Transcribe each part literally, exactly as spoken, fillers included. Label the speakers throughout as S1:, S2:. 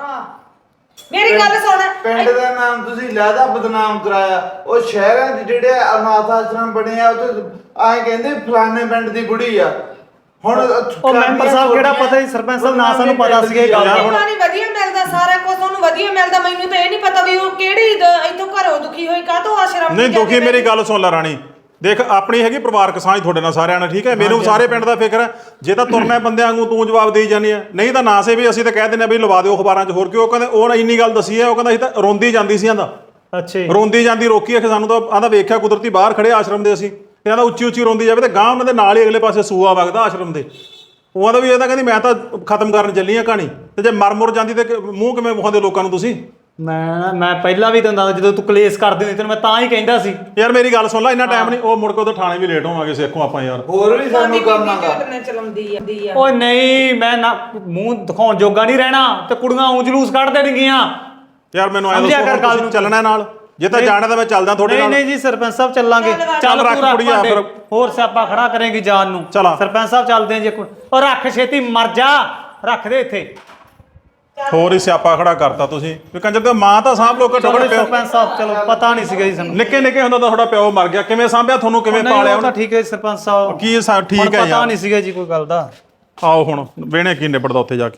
S1: ਹਾਂ ਮੇਰੀ ਗੱਲ ਸੁਣ,
S2: ਪਿੰਡ ਦਾ ਨਾਮ ਤੁਸੀਂ ਲਹਿਦਾ ਬਦਨਾਮ ਕਰਾਇਆ। ਉਹ ਸ਼ਹਿਰਾਂ ਦੇ ਜਿਹੜੇ ਅਨਾਥ ਆਸ਼ਰਮ ਬਣੇ ਆ ਉਹ ਆਏ ਕਹਿੰਦੇ ਫਲਾਣੇ ਪਿੰਡ ਦੀ ਬੁੜੀ ਆ। ਹੁਣ
S3: ਉਹ ਮੈਂਬਰ ਸਾਹਿਬ ਕਿਹੜਾ ਪਤਾ ਸੀ, ਸਰਪੰਚ ਸਾਹਿਬ ਨਾ ਸਾਨੂੰ ਪਤਾ ਸੀ ਇਹ ਗੱਲ।
S1: ਹੁਣ ਪਾਣੀ ਵਧੀਆ ਮਿਲਦਾ, ਸਾਰਾ ਕੁਝ ਉਹਨੂੰ ਵਧੀਆ ਮਿਲਦਾ, ਮੈਨੂੰ ਤਾਂ ਇਹ ਨਹੀਂ ਪਤਾ ਵੀ ਉਹ ਕਿਹੜੀ ਇੱਥੋਂ ਘਰੋਂ ਦੁਖੀ ਹੋਈ ਕਾਹਤੋਂ ਆਸ਼ਰਮ
S4: ਨਹੀਂ ਦੁਖੀ। ਮੇਰੀ ਗੱਲ ਸੁਣ ਲੈ ਰਾਣੀ, ਦੇਖ ਆਪਣੀ ਹੈਗੀ ਪਰਿਵਾਰਕ ਸਾਂਝ ਤੁਹਾਡੇ ਨਾਲ ਸਾਰਿਆਂ ਨਾਲ, ਠੀਕ ਹੈ। ਮੈਨੂੰ ਸਾਰੇ ਪਿੰਡ ਦਾ ਫਿਕਰ ਹੈ। ਜੇ ਤਾਂ ਤੁਰਨਾ ਬੰਦਿਆਂ ਵਾਂਗੂ ਤੂੰ ਜਵਾਬ ਦੇਈ ਜਾਂਦੀ ਹੈ, ਨਹੀਂ ਤਾਂ ਨਾ ਸੇ ਵੀ ਅਸੀਂ ਤਾਂ ਕਹਿ ਦਿੰਦੇ ਵੀ ਲਵਾ ਦਿਓ ਅਖਬਾਰਾਂ 'ਚ। ਹੋਰ ਕਿਉਂ? ਉਹ ਕਹਿੰਦੇ ਉਹ ਇੰਨੀ ਗੱਲ ਦੱਸੀ ਹੈ, ਉਹ ਕਹਿੰਦਾ ਅਸੀਂ ਤਾਂ ਰੋਂਦੀ ਜਾਂਦੀ ਸੀ ਆਂਦਾ।
S3: ਅੱਛਾ
S4: ਰੋਂਦੀ ਜਾਂਦੀ ਰੋਕੀ ਕਿ ਸਾਨੂੰ ਤਾਂ ਆਂਦਾ ਵੇਖਿਆ ਕੁਦਰਤੀ ਬਾਹਰ ਖੜੇ ਆਸ਼ਰਮ ਦੇ ਅਸੀਂ, ਤੇ ਆਂਦਾ ਉੱਚੀ ਉੱਚੀ ਰੋਂਦੀ ਜਾਵੇ ਤੇ ਗਾਂ ਉਹਨਾਂ ਦੇ ਨਾਲ ਹੀ ਅਗਲੇ ਪਾਸੇ ਸੂਆ ਵਗਦਾ ਆਸ਼ਰਮ ਦੇ। ਉਹ ਆਂਦਾ ਵੀ ਇਹ ਤਾਂ ਕਹਿੰਦੀ ਮੈਂ ਤਾਂ ਖਤਮ ਕਰਨ ਚੱਲੀ ਆ ਕਹਾਣੀ, ਤੇ ਜੇ ਮਰ ਮੁਰ ਜਾਂਦੀ ਤੇ ਮੂੰਹ ਕਿਵੇਂ ਵਿਖਾਉਂਦੇ ਲੋਕਾਂ ਨੂੰ ਤੁਸੀਂ?
S3: ਮੈਂ ਮੈਂ ਪਹਿਲਾਂ ਵੀ ਤੈਨੂੰ ਦੱਸਦਾ ਜਦੋਂ ਤੂੰ ਕਲੇਸ਼ ਕਰਦੀ ਹੁੰਦੀ ਤੈਨੂੰ ਮੈਂ ਤਾਂ ਹੀ ਕਹਿੰਦਾ ਸੀ।
S4: ਯਾਰ ਮੇਰੀ ਗੱਲ ਸੁਣ ਲੈ, ਇੰਨਾ ਟਾਈਮ ਨਹੀਂ। ਉਹ ਮੁੜ ਕੇ ਉਧਰ ਥਾਣੇ ਵੀ ਲੇਟ ਹੋਵਾਂਗੇ ਸੇਖੋਂ ਆਪਾਂ ਯਾਰ।
S2: ਹੋਰ ਵੀ ਸਾਨੂੰ ਕੰਮ ਆਗਾ।
S1: ਚਲਾਉਂਦੀ ਆ
S3: ਓਏ ਨਹੀਂ, ਮੈਂ ਨਾ ਮੂੰਹ ਦਿਖਾਉਣ ਜੋਗਾ ਨਹੀਂ ਰਹਿਣਾ ਤੇ ਕੁੜੀਆਂ ਊਂ ਜਲੂਸ ਕੱਢ ਦੇਣਗੀਆਂ
S4: ਯਾਰ ਮੈਨੂੰ ਐਂ ਦੱਸੋ, ਚੱਲਣਾ ਨਾਲ? ਜੇ ਤਾਂ ਜਾਣਾ ਤਾਂ ਮੈਂ ਚੱਲਦਾ ਤੁਹਾਡੇ ਨਾਲ।
S3: ਨਹੀਂ ਨਹੀਂ ਜੀ ਸਰਪੰਚ ਸਾਹਿਬ ਚੱਲਾਂਗੇ।
S4: ਚੱਲ ਰੱਖ ਕੁੜੀਆ ਫਿਰ,
S3: ਹੋਰ ਸਿਆਪਾ ਖੜਾ ਕਰੇਗੀ ਜਾਨ ਨੂੰ। ਸਰਪੰਚ ਸਾਹਿਬ ਚੱਲਦੇ ਜੀ। ਉਹ ਰੱਖ ਛੇਤੀ, ਮਰ ਜਾ, ਰੱਖ ਦੇ ਇੱਥੇ।
S4: ਹੋਰ ਹੀ ਸਿਆਪਾ ਖੜਾ ਕਰਤਾ ਤੁਸੀਂ ਵੀ ਕੰਜਰ ਦਾ ਮਾਂ ਤਾਂ ਸਾਂਭ ਲੋ ਘੱਟੋ ਘੱਟ।
S3: ਸਰਪੰਚ ਸਾਹਿਬ ਚਲੋ ਪਤਾ ਨਹੀਂ ਸੀਗਾ ਜੀ ਸਾਨੂੰ।
S4: ਨਿੱਕੇ ਨਿੱਕੇ ਹੁੰਦਾ ਤਾਂ ਤੁਹਾਡਾ ਪਿਓ ਮਰ ਗਿਆ, ਕਿਵੇਂ ਸਾਂਭਿਆ ਤੁਹਾਨੂੰ, ਕਿਵੇਂ ਪਾਲਿਆ ਉਹਨੇ?
S3: ਠੀਕ ਹੈ ਸਰਪੰਚ ਸਾਹਿਬ,
S4: ਕੀ ਠੀਕ ਹੈ ਯਾਰ,
S3: ਪਤਾ ਨਹੀਂ ਸੀਗਾ ਜੀ ਕੋਈ ਗੱਲ ਦਾ।
S4: ਆਓ ਹੁਣ ਵੇਣੇ ਕੀ ਨਿਬੜਦਾ ਉੱਥੇ ਜਾ ਕੇ।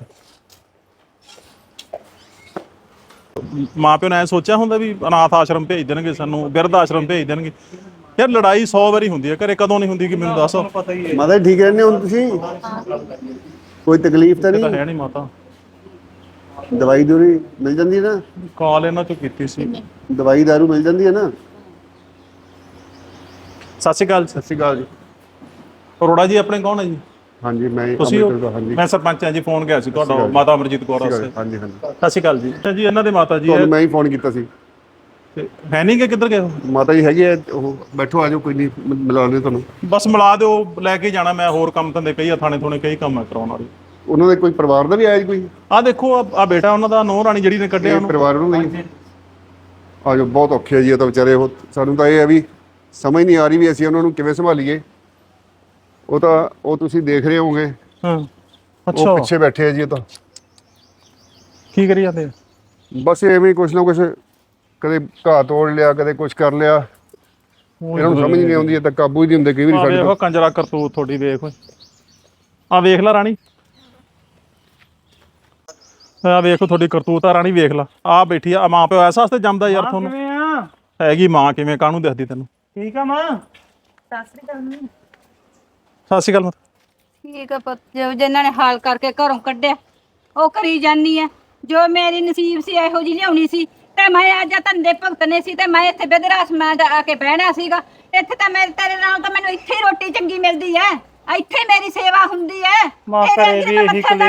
S4: ਮਾਂ ਪਿਓ ਨੇ ਐ ਸੋਚਿਆ ਹੁੰਦਾ ਵੀ ਅਨਾਥ ਆਸ਼ਰਮ ਭੇਜ ਦੇਣਗੇ ਸਾਨੂੰ, ਬਿਰਧ ਆਸ਼ਰਮ ਭੇਜ ਦੇਣਗੇ? ਯਾਰ ਲੜਾਈ ਸੌ ਵਾਰੀ ਹੁੰਦੀ ਹੈ ਘਰੇ, ਕਦੋਂ ਨਹੀਂ ਹੁੰਦੀ ਕਿ ਮੈਨੂੰ ਦੱਸ।
S5: ਮਾਤਾ ਠੀਕ ਰਹਿੰਦੇ ਹੁਣ ਤੁਸੀਂ? ਕੋਈ ਤਕਲੀਫ ਤਾਂ
S4: ਤਾਂ
S5: ਨਹੀਂ?
S4: ਹੈ ਨਹੀਂ ਮਾਤਾ।
S5: ਦਵਾਈ ਦੂਰੀ ਮਿਲ ਜਾਂਦੀ ਹੈ ਨਾ?
S4: ਕਾਲ ਇਹਨਾਂ ਚੋਂ ਕੀਤੀ ਸੀ।
S5: ਦਵਾਈ ਦਾਰੂ ਮਿਲ ਜਾਂਦੀ ਹੈ ਨਾ?
S4: ਸਤਿ ਸ਼੍ਰੀ ਅਕਾਲ।
S5: ਸਤਿ ਸ਼੍ਰੀ ਅਕਾਲ ਜੀ।
S4: ਅਰੋੜਾ ਜੀ ਆਪਣੇ ਕੌਣ ਹੈ ਜੀ?
S5: ਹਾਂਜੀ ਮੈਂ
S4: ਤੁਸੀਂ?
S5: ਹਾਂਜੀ
S4: ਮੈਂ ਸਰਪੰਚ ਹਾਂ ਜੀ। ਫੋਨ ਗਿਆ ਸੀ ਤੁਹਾਡਾ ਮਾਤਾ ਅਮਰਜੀਤ ਕੌਰ ਵਾਸਤੇ।
S5: ਹਾਂਜੀ ਹਾਂਜੀ
S4: ਸਤਿ ਸ਼੍ਰੀ ਅਕਾਲ ਜੀ। ਜੀ ਇਹਨਾਂ ਦੇ ਮਾਤਾ ਜੀ
S5: ਤੁਹਾਨੂੰ ਮੈਂ ਹੀ ਫੋਨ ਕੀਤਾ ਸੀ।
S4: ਹੈ ਨਹੀਂ ਕਿ ਕਿੱਧਰ ਗਏ?
S5: ਮਾਤਾ ਜੀ ਹੈਗੇ ਆ, ਉਹ ਬੈਠੋ ਆ ਜਾਓ, ਕੋਈ ਨਹੀਂ ਮਿਲਾ ਲਿਓ ਤੁਹਾਨੂੰ।
S4: ਬਸ ਮਿਲਾ ਦਿਓ, ਲੈ ਕੇ ਜਾਣਾ ਮੈਂ। ਹੋਰ ਕੰਮ ਧੰਦੇ ਕਈ ਆ, ਥਾਣੇ ਥੋਣੇ ਕਈ ਕੰਮ ਆ ਕਰਾਉਣ ਵਾਲੇ।
S5: ਉਹਨਾਂ ਦੇ ਕੋਈ ਪਰਿਵਾਰ ਦਾ ਵੀ ਆਇਆ ਜੀ ਕੋਈ?
S4: ਆਹ ਦੇਖੋ ਆ ਬੇਟਾ ਉਹਨਾਂ ਦਾ, ਨੂੰਹ ਰਾਣੀ ਜਿਹੜੀ ਨੇ ਕੱਢਿਆ ਉਹਨੂੰ।
S5: ਪਰਿਵਾਰ ਉਹਨਾਂ ਦਾ ਆ ਜਾਓ। ਬਹੁਤ ਔਖੇ ਜੀ ਇਹ ਤਾਂ ਵਿਚਾਰੇ। ਉਹ ਸਾਨੂੰ ਤਾਂ ਇਹ ਹੈ ਵੀ ਸਮਝ ਨਹੀਂ ਆ ਰਹੀ ਵੀ ਅਸੀਂ ਉਹਨਾਂ ਨੂੰ ਕਿਵੇਂ ਸੰਭਾਲੀਏ। ਉਹ ਤਾਂ ਉਹ ਤੁਸੀਂ ਦੇਖ ਰਹੇ ਹੋਵੋਗੇ।
S4: ਹਾਂ
S5: ਅੱਛਾ, ਉਹ ਪਿੱਛੇ ਬੈਠੇ ਆ ਜੀ। ਇਹ ਤਾਂ
S4: ਕੀ ਕਰੀ ਜਾਂਦੇ?
S5: ਬਸ ਐਵੇਂ ਕੁਛ ਨਾ ਕੁਛ, ਕਦੇ ਘਾਹ ਤੋੜ ਲਿਆ, ਕਦੇ ਕੁਛ ਕਰ ਲਿਆ। ਇਹਨਾਂ ਨੂੰ ਸਮਝ ਨਹੀਂ ਆਉਂਦੀ, ਇਹ ਤਾਂ ਕਾਬੂ ਹੀ ਨਹੀਂ ਹੁੰਦੇ ਕਈ ਵਾਰੀ ਸਾਡੇ
S4: ਤੋਂ। ਕੰਜਰਾ ਕਰਤੂਤ ਤੁਹਾਡੀ ਵੇਖ ਓਏ, ਆ ਵੇਖ ਲੈ ਰਾਣੀ, ਆ ਵੇਖੋ ਤੁਹਾਡੀ ਕਰਤੂਤ ਆ ਰਾਣੀ, ਵੇਖ ਲਾ। ਆ ਬੈਠੀ ਆ ਮਾਂ ਪਿਓ ਐਸਾ ਵਾਸਤੇ ਜੰਮਦਾ ਯਾਰ ਤੁਹਾਨੂੰ। ਹੈਗੀ ਮਾਂ ਕਿਵੇਂ, ਕਾਹਨੂੰ ਦਿਖਦੀ ਤੈਨੂੰ?
S3: ਠੀਕ ਆ ਮਾਂ।
S6: ਸਤਿ ਸ੍ਰੀ ਅਕਾਲ।
S4: ਸਤਿ ਸ਼੍ਰੀ ਅਕਾਲ।
S6: ਠੀਕ ਆ ਪੁੱਤ, ਜੋ ਜਿਨ੍ਹਾਂ ਨੇ ਹਾਲ ਕਰਕੇ ਘਰੋਂ ਕੱਢਿਆ ਉਹ ਕਰੀ ਜਾਨੀ ਆ। ਜੋ ਮੇਰੀ ਨਸੀਬ ਸੀ ਇਹੋ ਜਿਹੀ ਲਿਆਉਣੀ ਸੀ, ਤੇ ਮੈਂ ਅੱਜ ਧੰਦੇ ਭੁਗਤਨੇ ਸੀ, ਤੇ ਮੈਂ ਇੱਥੇ ਬਿਦਰਾਸ ਮੈਂ ਆ ਕੇ ਬਹਿਣਾ ਸੀਗਾ। ਇੱਥੇ ਤਾਂ ਮੇਰੇ ਤੇਰੇ ਨਾਲ ਤਾਂ ਮੈਨੂੰ ਇੱਥੇ ਹੀ ਰੋਟੀ ਚੰਗੀ ਮਿਲਦੀ ਐ, ਇੱਥੇ ਮੇਰੀ ਸੇਵਾ ਹੁੰਦੀ ਐ। ਜਿਹੜੀ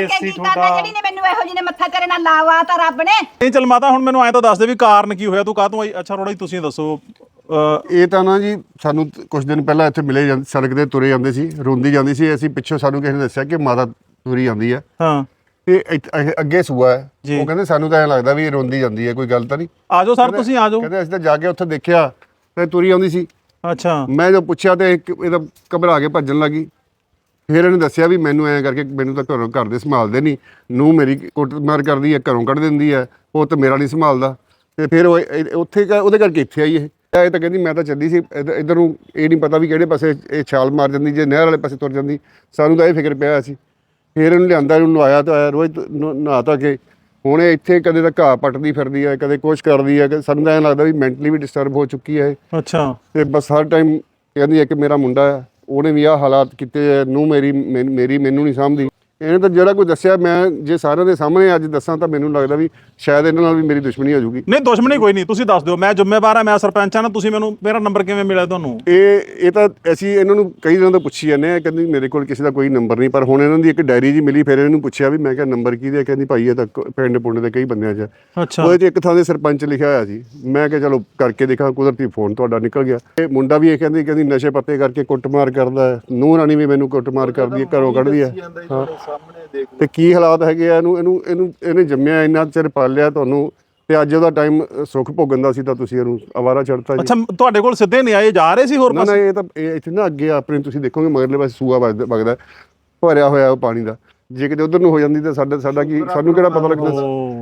S6: ਨੇ ਮੈਨੂੰ ਇਹੋ ਜਿਹੀ ਨੇ ਮੱਥਾ ਤੇਰੇ ਨਾਲ ਲਾਵਾ ਤਾਂ ਰੱਬ ਨੇ।
S4: ਨਹੀਂ ਚੱਲ ਮਾਤਾ ਹੁਣ ਮੈਨੂੰ ਐਂ ਤਾਂ ਦੱਸ ਦੇ ਵੀ ਕਾਰਨ ਕੀ ਹੋਇਆ, ਤੂੰ ਕਾਹਤੋਂ ਆਈ? ਅੱਛਾ ਰੋੜਾ ਜੀ ਤੁਸੀਂ ਦੱਸੋ।
S5: ਇਹ ਤਾਂ ਨਾ ਜੀ ਸਾਨੂੰ ਕੁਝ ਦਿਨ ਪਹਿਲਾਂ ਇੱਥੇ ਮਿਲੇ ਜਾਂਦੇ, ਸੜਕ ਤੇ ਤੁਰੇ ਜਾਂਦੇ ਸੀ, ਰੋਂਦੀ ਜਾਂਦੀ ਸੀ। ਅਸੀਂ ਪਿੱਛੋਂ ਸਾਨੂੰ ਕਿਸੇ ਨੇ ਦੱਸਿਆ ਕਿ ਮਾਤਾ ਤੁਰੀ ਜਾਂਦੀ ਆ।
S4: ਹਾਂ
S5: ਤੇ ਅੱਗੇ ਸੂਆ ਹੈ। ਉਹ ਕਹਿੰਦੇ ਸਾਨੂੰ ਤਾਂ ਐਂ ਲੱਗਦਾ ਵੀ ਰੋਂਦੀ ਜਾਂਦੀ ਹੈ, ਕੋਈ ਗੱਲ ਤਾਂ ਨਹੀਂ।
S4: ਆ ਜਾਓ ਸਰ, ਤੁਸੀਂ ਆ ਜਾਓ।
S5: ਕਹਿੰਦੇ ਅਸੀਂ ਤਾਂ ਜਾ ਕੇ ਉੱਥੇ ਦੇਖਿਆ ਤੇ ਤੁਰੀ ਆਉਂਦੀ ਸੀ।
S4: ਅੱਛਾ।
S5: ਮੈਂ ਜਦੋਂ ਪੁੱਛਿਆ ਤੇ ਇਹਦਾ ਘਬਰਾ ਕੇ ਭੱਜਣ ਲੱਗੀ। ਫਿਰ ਇਹਨੇ ਦੱਸਿਆ ਵੀ ਮੈਨੂੰ ਐਂ ਕਰਕੇ ਮੈਨੂੰ ਤਾਂ ਘਰੋਂ ਘਰ ਦੇ ਸੰਭਾਲਦੇ ਨਹੀਂ, ਨੂੰਹ ਮੇਰੀ ਕੁੱਟਮਾਰ ਕਰਦੀ ਹੈ, ਘਰੋਂ ਕੱਢ ਦਿੰਦੀ ਹੈ, ਉਹ ਤਾਂ ਮੇਰਾ ਨਹੀਂ ਸੰਭਾਲਦਾ। ਤੇ ਫਿਰ ਉਹ ਉੱਥੇ ਉਹਦੇ ਕਰਕੇ ਇੱਥੇ ਆਈ। ਇਹ ਇਹ ਤਾਂ ਕਹਿੰਦੀ ਮੈਂ ਤਾਂ ਚੱਲੀ ਸੀ ਇੱਧਰ ਨੂੰ, ਇਹ ਨਹੀਂ ਪਤਾ ਵੀ ਕਿਹੜੇ ਪਾਸੇ ਇਹ ਛਾਲ ਮਾਰ ਜਾਂਦੀ, ਜੇ ਨਹਿਰ ਵਾਲੇ ਪਾਸੇ ਤੁਰ ਜਾਂਦੀ। ਸਾਨੂੰ ਤਾਂ ਇਹ ਫਿਕਰ ਪਿਆ ਸੀ। ਫਿਰ ਇਹਨੂੰ ਲਿਆਂਦਾ, ਇਹਨੂੰ ਨਵਾਇਆ ਧੋਇਆ, ਰੋਜ਼ ਨਹਾ ਧੋ ਕੇ ਹੁਣ ਇਹ ਇੱਥੇ ਕਦੇ ਤਾਂ ਘਾਹ ਪੱਟਦੀ ਫਿਰਦੀ ਹੈ, ਕਦੇ ਕੁਛ ਕਰਦੀ ਹੈ। ਸਾਨੂੰ ਤਾਂ ਐਂ ਲੱਗਦਾ ਵੀ ਮੈਂਟਲੀ ਵੀ ਡਿਸਟਰਬ ਹੋ ਚੁੱਕੀ ਹੈ।
S4: ਅੱਛਾ।
S5: ਤੇ ਬਸ ਹਰ ਟਾਈਮ ਕਹਿੰਦੀ ਹੈ ਕਿ ਮੇਰਾ ਮੁੰਡਾ ਆ, ਉਹਨੇ ਵੀ ਆਹ ਹਾਲਾਤ ਕੀਤੇ, ਨੂੰ ਮੇਰੀ ਮੇਰੀ ਮੈਨੂੰ ਨਹੀਂ ਸਮਝਦੀ। ਇਹਨੇ ਤਾਂ ਜਿਹੜਾ ਕੋਈ ਦੱਸਿਆ, ਮੈਂ ਜੇ ਸਾਰਿਆਂ ਦੇ ਸਾਹਮਣੇ ਅੱਜ ਦੱਸਾਂ ਤਾਂ ਮੈਨੂੰ ਲੱਗਦਾ ਵੀ ਸ਼ਾਇਦ ਇਹਨਾਂ ਨਾਲ ਵੀ ਮੇਰੀ ਦੁਸ਼ਮਣੀ ਹੋ ਜਾਊਗੀ।
S4: ਨਹੀਂ ਦੁਸ਼ਮਣੀ ਕੋਈ ਨਹੀਂ, ਤੁਸੀਂ ਦੱਸ ਦਿਓ, ਮੈਂ ਜ਼ਿੰਮੇਵਾਰ ਹਾਂ, ਮੈਂ ਸਰਪੰਚ ਹਾਂ ਨਾ। ਤੁਸੀਂ ਮੈਨੂੰ, ਮੇਰਾ ਨੰਬਰ ਕਿਵੇਂ ਮਿਲਿਆ ਤੁਹਾਨੂੰ? ਇਹ
S5: ਇਹ ਤਾਂ ਅਸੀਂ ਇਹਨਾਂ ਨੂੰ ਕਈ ਦਿਨਾਂ ਤੋਂ ਪੁੱਛੀ ਜਾਂਦੇ ਆ, ਕਹਿੰਦੀ ਮੇਰੇ ਕੋਲ ਕਿਸੇ ਦਾ ਕੋਈ ਨੰਬਰ ਨਹੀਂ। ਪਰ ਹੁਣ ਇਹਨਾਂ ਦੀ ਇੱਕ ਡਾਇਰੀ ਜੀ ਮਿਲੀ, ਫਿਰ ਇਹਨੂੰ ਪੁੱਛਿਆ ਵੀ ਮੈਂ ਕਿਹਾ ਨੰਬਰ ਕਿਹਦੇ? ਕਹਿੰਦੀ ਭਾਈ ਇਹ ਤਾਂ ਪਿੰਡ ਪੁੰਡ ਦੇ ਕਈ ਬੰਦਿਆਂ 'ਚ।
S4: ਅੱਛਾ।
S5: ਉਹਦੇ 'ਚ ਇੱਕ ਥਾਂ ਦੇ ਸਰਪੰਚ ਲਿਖਿਆ ਹੋਇਆ ਸੀ। ਮੈਂ ਕਿਹਾ ਚਲੋ ਕਰਕੇ ਦੇਖਾਂ, ਕੁਦਰਤੀ ਫੋਨ ਤੁਹਾਡਾ ਨਿਕਲ ਗਿਆ। ਇਹ ਮੁੰਡਾ ਵੀ ਇਹ ਕਹਿੰਦੀ ਕਹਿੰਦੀ ਨਸ਼ੇ ਪੱਤੇ ਕਰਕੇ ਕੁੱਟਮਾਰ ਕਰਦਾ ਹੈ, ਨੂੰਹ ਰਾਣੀ ਵੀ ਮੈਨੂੰ ਕੁੱਟਮਾਰ ਕਰਦੀ ਹੈ, ਘਰੋਂ ਕੱਢਦੀ ਹੈ। ਹਾਂ ਤੇ ਕੀ ਹਾਲਾਤ ਹੈਗੇ ਆ। ਇਹਨੂੰ ਇਹਨੂੰ ਇਹਨੂੰ ਇਹਨੇ ਜੰਮਿਆ, ਇੰਨਾ ਚਿਰ ਪਾਲਿਆ ਤੁਹਾਨੂੰ, ਤੇ ਅੱਜ ਉਹਦਾ ਟਾਈਮ ਸੁੱਖ ਭੋਗਣ ਦਾ ਸੀ ਤਾਂ ਤੁਸੀਂ ਇਹਨੂੰ ਅਵਾਰਾ ਛੱਡਤਾ ਜੀ।
S4: ਅੱਛਾ ਤੁਹਾਡੇ ਕੋਲ ਸਿੱਧੇ ਨਹੀਂ ਆਏ, ਜਾ ਰਹੇ ਸੀ ਹੋਰ ਪਾਸੇ?
S5: ਨਾ ਇਹ ਤਾਂ ਇਹ ਇੱਥੇ ਨਾ ਅੱਗੇ ਆਪਣੇ ਤੁਸੀਂ ਦੇਖੋਗੇ ਮਗਰਲੇ ਪਾਸੇ ਸੂਆ ਵਗਦਾ ਭਰਿਆ ਹੋਇਆ ਉਹ ਪਾਣੀ ਦਾ। ਜੇ ਕਿਤੇ ਉਧਰ ਨੂੰ ਹੋ ਜਾਂਦੀ ਤਾਂ ਸਾਡਾ ਸਾਡਾ ਕੀ, ਸਾਨੂੰ ਕਿਹੜਾ ਪਤਾ ਲੱਗਦਾ।